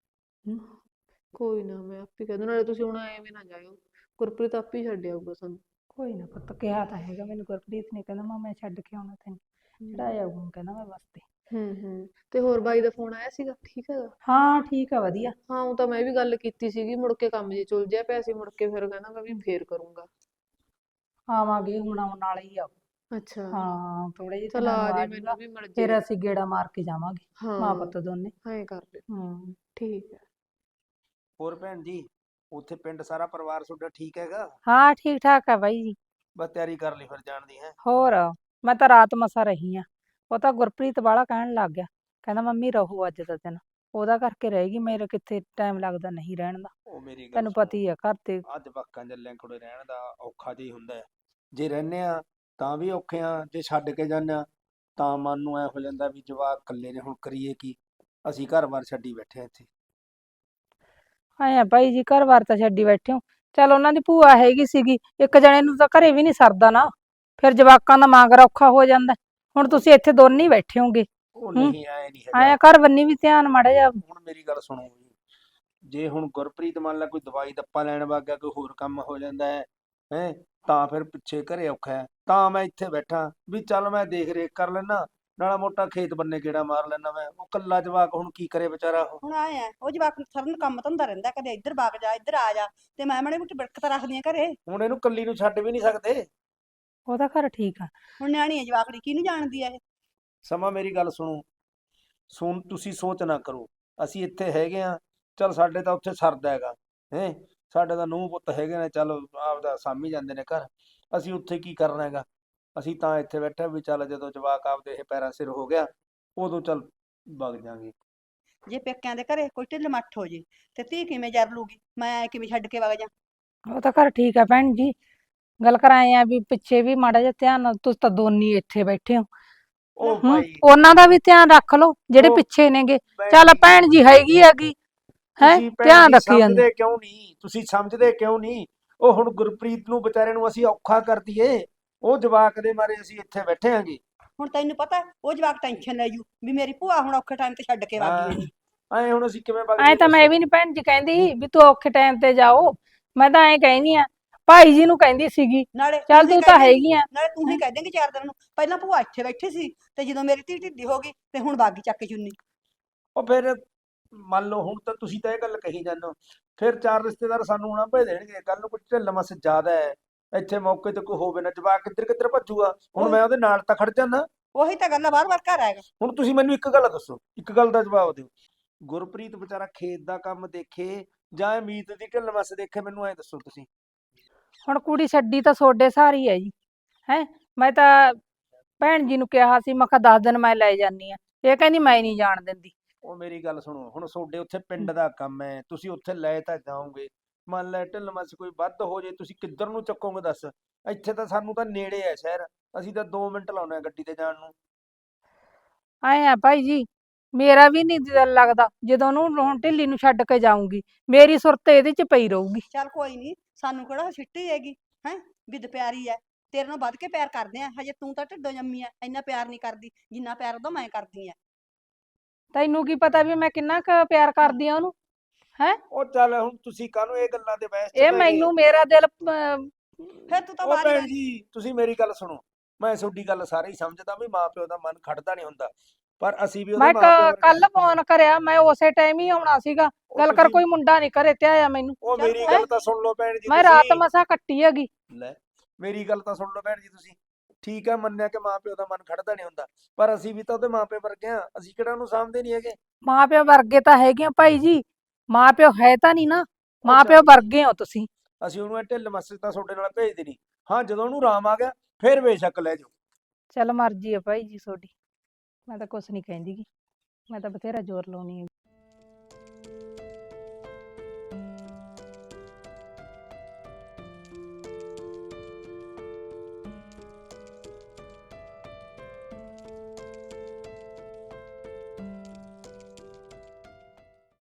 Speaker 4: ਕੋਈ ਨਾ ਮੈਂ ਆਪੇ ਕਹਿ ਦੂੰ, ਨਾਲੇ ਤੁਸੀਂ ਹੁਣ ਐਵੇਂ ਨਾ ਜਾਇਓ, ਗੁਰਪ੍ਰੀਤ ਆਪੇ ਹੀ ਛੱਡ ਆਊਗਾ ਸਾਨੂੰ।
Speaker 5: ਕੋਈ ਨਾ ਪੁੱਤ, ਕਿਹਾ ਤਾਂ ਹੈਗਾ ਮੈਨੂੰ ਗੁਰਪ੍ਰੀਤ ਨੇ, ਕਹਿੰਦਾ ਮੈਂ ਛੱਡ ਕੇ ਆਉਣਾ ਤੈਨੂੰ, ਚੜਾਇਆ ਆਊਗਾ ਕਹਿੰਦਾ ਮੈਂ ਬੱਸ ਤੇ।
Speaker 4: ਤੇ ਹੋਰ ਬਾਈ ਦਾ ਫੋਨ ਆਇਆ ਸੀਗਾ, ਠੀਕ ਹੈਗਾ?
Speaker 5: ਹਾਂ ਠੀਕ ਆ ਵਧੀਆ।
Speaker 4: ਹਾਂ ਉਹ ਤਾਂ ਮੈਂ ਵੀ ਗੱਲ ਕੀਤੀ ਸੀਗੀ, ਮੁੜ ਕੇ ਕੰਮ ਜੇ ਚੁਲ ਜਿਆ ਪਿਆ ਸੀ, ਮੁੜ ਕੇ ਫਿਰ ਕਹਿੰਦਾ ਮੈਂ ਵੀ ਫੇਰ ਕਰੂੰਗਾ।
Speaker 5: ਆਵਾਂਗੇ ਹੁਣ ਆਉਣ ਵਾਲਾ ਹੀ ਆ।
Speaker 4: ਅੱਛਾ
Speaker 5: ਹਾਂ ਥੋੜੇ ਜਿਹੇ
Speaker 4: ਚਲ
Speaker 5: ਦਿਨਾਂ
Speaker 4: ਆ
Speaker 5: ਨੂੰ
Speaker 4: ਜੇ,
Speaker 5: ਆ
Speaker 4: ਮੈਨੂੰ
Speaker 5: ਜਾਊਗਾ,
Speaker 4: ਵੀ ਮਿਲ ਜੇ।
Speaker 5: ਫਿਰ ਅਸੀਂ ਗੇੜਾ ਮਾਰ ਕੇ ਜਾਵਾਂਗੇ ਮਾਂ
Speaker 4: ਹਾਂ
Speaker 5: ਪੁੱਤ ਦੋਨੇ।
Speaker 4: ਐਂ ਕਰ ਲਿਓ, ਠੀਕ ਹੈ।
Speaker 1: ਹੋਰ ਭੈਣ ਜੀ, ਉੱਥੇ ਪਿੰਡ ਸਾਰਾ ਪਰਿਵਾਰ ਤੁਹਾਡਾ ਠੀਕ ਹੈਗਾ?
Speaker 5: ਹਾਂ ਠੀਕ ਠਾਕ ਆ ਬਾਈ ਜੀ।
Speaker 1: ਬਸ ਤਿਆਰੀ ਕਰ ਲਈ ਫਿਰ ਜਾਣ ਦੀ ਹੈ।
Speaker 5: ਹੋਰ ਮੈਂ ਤਾਂ ਰਾਤ ਮਸਾ ਰਹੀ ਆ, ਉਹ ਤਾਂ ਗੁਰਪ੍ਰੀਤ ਵਾਲਾ ਕਹਿਣ ਲੱਗ ਗਿਆ, ਕਹਿੰਦਾ ਮੰਮੀ ਰਹੋ ਅੱਜ ਦਾ ਦਿਨ, ਉਹਦਾ ਕਰਕੇ ਰਹੇਗੀ, ਮੇਰੇ ਕਿੱਥੇ ਟਾਈਮ ਲੱਗਦਾ ਨਹੀਂ ਰਹਿਣ ਦਾ।
Speaker 1: ਉਹ ਮੇਰੀ ਗੱਲ
Speaker 5: ਤੈਨੂੰ
Speaker 1: ਸੁਣੋ,
Speaker 5: ਪਤਾ ਹੀ ਆ ਘਰ ਤੇ।
Speaker 1: ਅੱਜ ਜਵਾਕਾਂ ਜੱਲਿਆਂ ਕੋਲੇ ਰਹਿਣ ਦਾ ਔਖਾ ਜਿਹਾ ਹੀ ਹੁੰਦਾ ਹੈ। ਜੇ ਰਹਿੰਦੇ ਆ ਤਾਂ ਵੀ ਔਖੇ ਆ, ਜੇ ਛੱਡ ਕੇ ਜਾਂਦੇ ਆ ਤਾਂ ਮਨ ਨੂੰ ਐ ਹੋ ਜਾਂਦਾ ਵੀ ਜਵਾਕ ਇਕੱਲੇ ਨੇ, ਹੁਣ ਕਰੀਏ ਕੀ, ਅਸੀਂ ਘਰ-ਬਾਰ ਛੱਡੀ ਬੈਠੇ ਆ ਇੱਥੇ।
Speaker 5: ਆਇਆ ਬਾਈ ਜੀ, ਘਰ-ਬਾਰ ਤਾਂ ਛੱਡੀ ਬੈਠੇ ਹੋ, ਚੱਲ ਉਹਨਾਂ ਦੀ ਭੂਆ ਹੈਗੀ ਸੀਗੀ, ਇੱਕ ਜਣੇ ਨੂੰ ਤਾਂ ਘਰੇ ਵੀ ਨਹੀਂ ਸਰਦਾ ਨਾ, ਫਿਰ ਜਵਾਕਾਂ ਦਾ ਮਾਂਗਰ ਔਖਾ ਹੋ ਜਾਂਦਾ। ਹੁਣ ਤੁਸੀਂ ਇੱਥੇ ਦੋਨੇ ਹੀ ਬੈਠੇ ਹੋਗੇ,
Speaker 1: ਉਹ ਨਹੀਂ ਐ ਨਹੀਂ ਹੈਗਾ।
Speaker 5: ਆਇਆ ਘਰ ਬੰਨੀ ਵੀ ਧਿਆਨ ਮਾੜਾ ਜਿਹਾ।
Speaker 1: ਹੁਣ ਮੇਰੀ ਗੱਲ ਸੁਣੋ ਜੀ, ਜੇ ਹੁਣ ਗੁਰਪ੍ਰੀਤ ਮੰਨ ਲਾ ਕੋਈ ਦਵਾਈ ਦੱਪਾ ਲੈਣ ਵਗ ਗਿਆ, ਕੋਈ ਹੋਰ ਕੰਮ ਹੋ ਜਾਂਦਾ ਹੈ ਤਾਂ ਫਿਰ ਪਿੱਛੇ ਘਰੇ ਔਖਾ ਹੈ। ਤਾਂ ਮੈਂ ਇੱਥੇ ਬੈਠਾ ਵੀ ਚੱਲ ਮੈਂ ਦੇਖ ਰੇਖ ਕਰ ਲੈਣਾ, ਨਾਲਾ ਮੋਟਾ ਖੇਤ ਬੰਨੇ ਗੇੜਾ ਮਾਰ ਲੈਣਾ। ਮੈਂ ਉਹ ਕੱਲਾ ਜਵਾਕ ਹੁਣ ਕੀ ਕਰੇ ਵਿਚਾਰਾ। ਉਹ
Speaker 3: ਹੁਣ ਆਏ ਆ ਉਹ ਜਵਾਕ ਨੂੰ ਸਾਰਾ ਦਿਨ ਕੰਮ ਧੰਦਾ ਰਹਿੰਦਾ, ਕਦੇ ਇੱਧਰ ਵਗ ਜਾ ਇੱਧਰ ਆ ਜਾ, ਤੇ ਮੈਂ ਮਾੜੀ ਮੋਟੀ ਬਿੜਕ ਤਾਂ ਰੱਖਦੀ ਆ ਘਰੇ।
Speaker 1: ਹੁਣ ਇਹਨੂੰ ਕੱਲੀ ਨੂੰ ਛੱਡ ਵੀ ਨਹੀਂ ਸਕਦੇ।
Speaker 5: ਉਹਦਾ ਘਰ ਠੀਕ ਆ।
Speaker 3: ਹੁਣ ਨਿਆਣੀ ਆ ਜਵਾਕੜੀ, ਕਿਹਨੂੰ ਜਾਣਦੀ ਆ ਇਹ।
Speaker 1: ਸਮਾਂ ਮੇਰੀ ਗੱਲ ਸੁਣੋ, ਤੁਸੀਂ ਸੋਚ ਨਾ ਕਰੋ, ਅਸੀਂ ਇੱਥੇ ਹੈਗੇ ਆ, ਚੱਲ ਸਾਡੇ ਤਾਂ ਉੱਥੇ ਸਰਦਾ ਹੈਗਾ ਹੈ। ਸਾਡੇ ਤਾਂ ਨੂੰਹ ਪੁੱਤ ਹੈਗੇ ਨੇ, ਚੱਲ ਆਪਦਾ ਸਾਂਭੀ ਜਾਂਦੇ ਨੇ ਘਰ। ਅਸੀਂ ਉੱਥੇ ਕੀ ਕਰਨਾ ਹੈਗਾ। ਅਸੀਂ ਤਾਂ ਇੱਥੇ ਬੈਠੇ ਵੀ ਚੱਲ ਜਦੋਂ ਜਵਾਕ ਆਪਦੇ ਇਹ ਪੈਰਾਂ ਸਿਰ ਹੋ ਗਿਆ ਉਦੋਂ ਚੱਲ ਵਗ ਜਾਾਂਗੇ।
Speaker 3: ਜੇ ਪੇਕਿਆਂ ਦੇ ਘਰੇ ਕੋਈ ਢਿੱਲ ਮੱਠ ਹੋ ਜੇ ਤੇ ਧੀ ਕਿਵੇਂ ਜਰ ਲੂਗੀ, ਮੈਂ ਕਿਵੇਂ ਛੱਡ ਕੇ ਵਗ ਜਾ।
Speaker 5: ਉਹ ਤਾਂ ਘਰ ਠੀਕ ਆ ਭੈਣ ਜੀ, ਗੱਲ ਕਰਾਏ ਆ ਵੀ ਪਿੱਛੇ ਵੀ ਮਾੜਾ ਜਿਹਾ ਧਿਆਨ ਨਾਲ, ਤੁਸੀਂ ਤਾਂ ਦੋਨੀ ਇੱਥੇ ਬੈਠੇ ਹੋ।
Speaker 1: ਉਹ
Speaker 5: ਹੂੰ
Speaker 1: ਭਾਈ
Speaker 5: ਉਹਨਾਂ ਦਾ ਵੀ ਧਿਆਨ ਰੱਖ ਲਓ ਜਿਹੜੇ
Speaker 1: ਉਹ
Speaker 5: ਪਿੱਛੇ ਨੇਗੇ।
Speaker 1: ਭੈਣ
Speaker 5: ਚੱਲ
Speaker 1: ਜੀ,
Speaker 5: ਭੈਣ ਜੀ ਹੈਗੀ ਹੈਗੀ ਹੈ,
Speaker 1: ਤੁਸੀਂ ਭੈਣ
Speaker 5: ਧਿਆਨ
Speaker 1: ਜੀ
Speaker 5: ਰੱਖੀ ਜਾਂਦੀ।
Speaker 1: ਸਮਝਦੇ ਕਿਉਂ ਨਹੀਂ? ਤੁਸੀਂ ਸਮਝਦੇ ਕਿਉਂ ਨਹੀਂ? ਉਹ ਹੁਣ ਗੁਰਪ੍ਰੀਤ ਨੂੰ ਵਿਚਾਰੇ ਨੂੰ ਅਸੀਂ ਔਖਾ ਕਰ ਦਈਏ, ਉਹ ਜਵਾਕ ਦੇ ਮਾਰੇ ਅਸੀਂ ਇੱਥੇ ਬੈਠੇ ਆਂਗੇ।
Speaker 3: ਹੁਣ ਤੈਨੂੰ ਪਤਾ ਉਹ ਜਵਾਕ ਟੈਨਸ਼ਨ ਲੈ ਜੂ ਵੀ ਮੇਰੀ ਭੂਆ ਹੁਣ ਔਖੇ ਟਾਈਮ ਤੇ ਛੱਡ ਕੇ ਵਗ
Speaker 1: ਹਾਂ
Speaker 3: ਗਈ ਇਹਨੂੰ।
Speaker 1: ਐ ਹੁਣ ਅਸੀਂ ਕਿਵੇਂ ਵਗ
Speaker 5: ਐ
Speaker 1: ਜਾਈਏ
Speaker 5: ਤਾਂ ਮੈਂ
Speaker 1: ਦੱਸੋ?
Speaker 5: ਵੀ ਨੀ ਭੈਣ ਜੀ ਕਹਿੰਦੀ ਵੀ ਤੂੰ ਔਖੇ ਟਾਈਮ ਤੇ ਜਾਓ, ਮੈਂ ਤਾਂ ਐਂ ਕਹਿੰਦੀ ਆ ਭਾਈ ਜੀ ਨੂੰ ਕਹਿੰਦੀ ਸੀਗੀ
Speaker 3: ਨਾਲੇ
Speaker 5: ਚੱਲ
Speaker 3: ਹੀ
Speaker 5: ਤੂੰ
Speaker 3: ਕਹਿ
Speaker 5: ਤਾਂ
Speaker 3: ਦੇਂਗੀ,
Speaker 5: ਹੈਗੀ ਆ।
Speaker 3: ਨਾਲੇ ਤੂੰ ਹੀ ਕਹਿ ਦੇਂਗੀ 4 ਦਿਨ ਨੂੰ ਪਹਿਲਾਂ ਭੂਆ ਇੱਥੇ ਬੈਠੀ ਸੀ ਤੇ ਜਦੋਂ ਮੇਰੀ ਧੀ ਢਿੱਡੀ ਹੋ ਗਈ ਤੇ ਹੁਣ ਬਾਗੀ ਚੱਕ ਕੇ ਚੁੰਨੀ।
Speaker 1: ਉਹ ਫਿਰ ਮੰਨ ਲਓ ਹੁਣ ਤਾਂ ਤੁਸੀਂ ਤਾਂ ਇਹ ਗੱਲ ਕਹੀ ਜਾਂਦੇ ਹੋ, ਫਿਰ 4 ਰਿਸ਼ਤੇਦਾਰ ਸਾਨੂੰ ਹੁਣ ਭੇਜ ਦੇਣਗੇ। ਕੱਲ ਨੂੰ ਕੋਈ ਢਿੱਲ ਮੱਸ ਜ਼ਿਆਦਾ ਹੈ, ਇੱਥੇ ਮੌਕੇ ਤੇ ਕੋਈ ਹੋਵੇ ਨਾ, ਜਵਾਕ ਕਿੱਧਰ ਕਿੱਧਰ ਭੱਜੂਗਾ। ਹੁਣ ਮੈਂ ਉਹਦੇ ਨਾਲ ਤਾਂ ਖੜ ਜਾਣਾ।
Speaker 3: ਉਹੀ ਤਾਂ ਗੱਲ ਆ, ਬਾਰ-ਬਾਰ ਘਰ ਆਏਗਾ।
Speaker 1: ਹੁਣ ਤੁਸੀਂ ਮੈਨੂੰ ਇੱਕ ਗੱਲ ਦੱਸੋ, ਇੱਕ ਗੱਲ ਦਾ ਜਵਾਬ ਦਿਓ। ਗੁਰਪ੍ਰੀਤ ਵਿਚਾਰਾ ਖੇਤ ਦਾ ਕੰਮ ਦੇਖੇ ਜਾਂ ਇਹ ਮੀਤ ਦੀ ਢਿੱਲ ਮੱਸ ਦੇਖੇ, ਮੈਨੂੰ ਐ ਦੱਸੋ ਤੁਸੀਂ।
Speaker 5: ਹੁਣ ਕੁੜੀ ਛੱਡੀ ਤਾਂ ਸੋਡੇ ਸਾਰੀ ਹੈ ਜੀ, ਹੈ ਮੈਂ ਤਾਂ ਭੈਣ ਜੀ ਨੂੰ ਕਿਹਾ ਸੀ, ਮੈਂ ਕਿਹਾ 10 ਦਿਨ ਮੈਂ ਲੈ ਜਾਨੀ ਆ, ਇਹ ਕਹਿੰਦੀ ਮੈਂ ਨਹੀਂ ਜਾਣ ਦਿੰਦੀ।
Speaker 1: ਉਹ ਮੇਰੀ ਗੱਲ ਸੁਣੋ, ਹੁਣ ਤੁਹਾਡੇ ਉੱਥੇ ਪਿੰਡ ਦਾ ਕੰਮ ਹੈ, ਤੁਸੀਂ ਉੱਥੇ ਲੈ ਤਾਂ ਜਾਓਗੇ। ਮੰਨ ਲੈ ਢਿੱਲ ਮੱਸ ਕੋਈ ਵੱਧ ਹੋ ਜੇ, ਤੁਸੀਂ ਕਿੱਧਰ ਨੂੰ ਚੱਕੋਗੇ ਦੱਸ? ਇੱਥੇ ਤਾਂ ਸਾਨੂੰ ਤਾਂ ਨੇੜੇ ਹੈ ਸ਼ਹਿਰ, ਅਸੀਂ ਤਾਂ 2 ਮਿੰਟ ਲਾਉਨੇ ਆ ਗੱਡੀ ਤੇ ਜਾਣ ਨੂੰ।
Speaker 5: ਐ ਆ ਭਾਈ ਜੀ, ਮੇਰਾ ਵੀ ਨਹੀਂ ਦਿਲ ਲੱਗਦਾ ਜਦੋਂ ਉਹਨੂੰ ਹੁਣ ਢਿੱਲੀ ਨੂੰ ਛੱਡ ਕੇ ਜਾਊਂਗੀ, ਮੇਰੀ ਸੁਰਤ ਇਹਦੇ 'ਚ ਪਈ ਰਹੂਗੀ।
Speaker 3: ਚੱਲ ਕੋਈ ਨਹੀਂ, ਸਾਨੂੰ ਕਿਹੜਾ ਛਿੱਟੀ ਹੈਗੀ ਹੈ, ਬਿੱਦ ਪਿਆਰੀ ਐ। ਤੇਰੇ ਨਾਲ ਵੱਧ ਕੇ ਪਿਆਰ ਕਰਦੇ ਆ, ਹਜੇ ਤੂੰ ਤਾਂ ਢਿੱਡੋਂ ਜੰਮੀ ਐ, ਇੰਨਾ ਪਿਆਰ ਨਹੀਂ ਕਰਦੀ ਜਿੰਨਾ ਪਿਆਰ ਉਹਦਾ ਮੈਂ ਕਰਦੀ ਆ।
Speaker 5: ਤੈਨੂੰ ਕੀ ਪਤਾ ਵੀ ਮੈਂ ਕਿੰਨਾ ਕੁ ਪਿਆਰ ਕਰਦੀ ਆ ਉਹਨੂੰ, ਹੈ
Speaker 1: ਉਹ ਚੱਲ ਹੁਣ ਤੁਸੀਂ ਕਾਹਨੂੰ ਇਹ ਗੱਲਾਂ ਦੇ ਬਹਿਸ ਚ
Speaker 5: ਇਹ
Speaker 1: ਪੈ ਗਏ?
Speaker 5: ਮੈਨੂੰ ਮੇਰਾ ਦਿਲ
Speaker 3: ਫਿਰ ਤੂੰ ਤਾਂ
Speaker 1: ਉਹ
Speaker 3: ਬਾਹਰ ਹੀ
Speaker 1: ਭੈਣ
Speaker 3: ਬੈਠ।
Speaker 1: ਜੀ ਤੁਸੀਂ ਮੇਰੀ ਗੱਲ ਸੁਣੋ, ਮੈਂ ਤੁਹਾਡੀ ਗੱਲ ਸਾਰੀ ਸਮਝਦਾ ਵੀ ਮਾਂ ਪਿਓ ਦਾ ਮਨ ਖੜਦਾ ਨਹੀਂ ਹੁੰਦਾ, ਪਰ ਅਸੀਂ ਵੀ ਉਹਦੇ
Speaker 5: ਮੈਂ
Speaker 1: ਮਾਂ ਪਿਓ ਵਰਗੇ।
Speaker 5: ਕੱਲ ਫੋਨ ਕਰਿਆ, ਮੈਂ ਉਸੇ ਟਾਈਮ ਹੀ ਆਉਣਾ ਸੀਗਾ,
Speaker 1: ਉਹ
Speaker 5: ਗੱਲ ਕਰ
Speaker 1: ਤੁਸੀਂ
Speaker 5: ਕੋਈ ਮੁੰਡਾ ਨਹੀਂ ਘਰੇ ਤੇ ਆਇਆ ਮੈਨੂੰ।
Speaker 1: ਉਹ
Speaker 3: ਚੱਲ
Speaker 1: ਮੇਰੀ
Speaker 3: ਕੋਈ
Speaker 1: ਗੱਲ ਤਾਂ ਸੁਣ ਲਓ ਭੈਣ ਜੀ
Speaker 5: ਮੈਂ ਰਾਤ
Speaker 1: ਤੁਸੀਂ।
Speaker 5: ਮਸਾਂ ਕੱਟੀ ਹੈਗੀ।
Speaker 1: ਲੈ ਮੇਰੀ ਗੱਲ ਤਾਂ ਸੁਣ ਲਓ ਭੈਣ ਜੀ ਤੁਸੀਂ। ਠੀਕ ਹੈ, ਮੰਨਿਆ ਕਿ ਮਾਂ ਪਿਓ ਦਾ ਮਨ ਖੜਦਾ ਨਹੀਂ ਹੁੰਦਾ, ਪਰ ਅਸੀਂ ਵੀ ਤਾਂ ਉਹਦੇ ਮਾਂ ਪਿਓ ਵਰਗੇ ਆ, ਅਸੀਂ ਕਿਹੜਾ ਉਹਨੂੰ ਸਾਂਭਦੇ ਨਹੀਂ ਹੈਗੇ।
Speaker 5: ਮਾਂ ਪਿਓ ਵਰਗੇ ਤਾਂ ਹੈਗੇ ਆ ਭਾਈ ਜੀ, ਮਾਂ ਪਿਓ ਹੈ ਤਾਂ ਨਹੀਂ ਨਾ,
Speaker 1: ਉਹ
Speaker 5: ਮਾਂ ਪਿਓ
Speaker 1: ਚੱਲ
Speaker 5: ਵਰਗੇ ਹੋ ਤੁਸੀਂ।
Speaker 1: ਅਸੀਂ ਉਹਨੂੰ ਇਹ ਢਿੱਲ ਮੱਸ ਤਾਂ ਤੁਹਾਡੇ ਨਾਲ ਭੇਜਦੇ ਨਹੀਂ। ਹਾਂ ਜਦੋਂ ਉਹਨੂੰ ਆਰਾਮ ਆ ਗਿਆ ਫਿਰ ਬੇਸ਼ੱਕ ਲੈ ਜਾਓ।
Speaker 5: ਚੱਲ ਮਰਜ਼ੀ ਆ ਭਾਈ ਜੀ ਤੁਹਾਡੀ, ਮੈਂ ਤਾਂ ਕੁਛ ਨਹੀਂ ਕਹਿੰਦੀ ਗੀ, ਮੈਂ ਤਾਂ ਬਥੇਰਾ ਜ਼ੋਰ ਲਾਉਣੀ ਹੈ।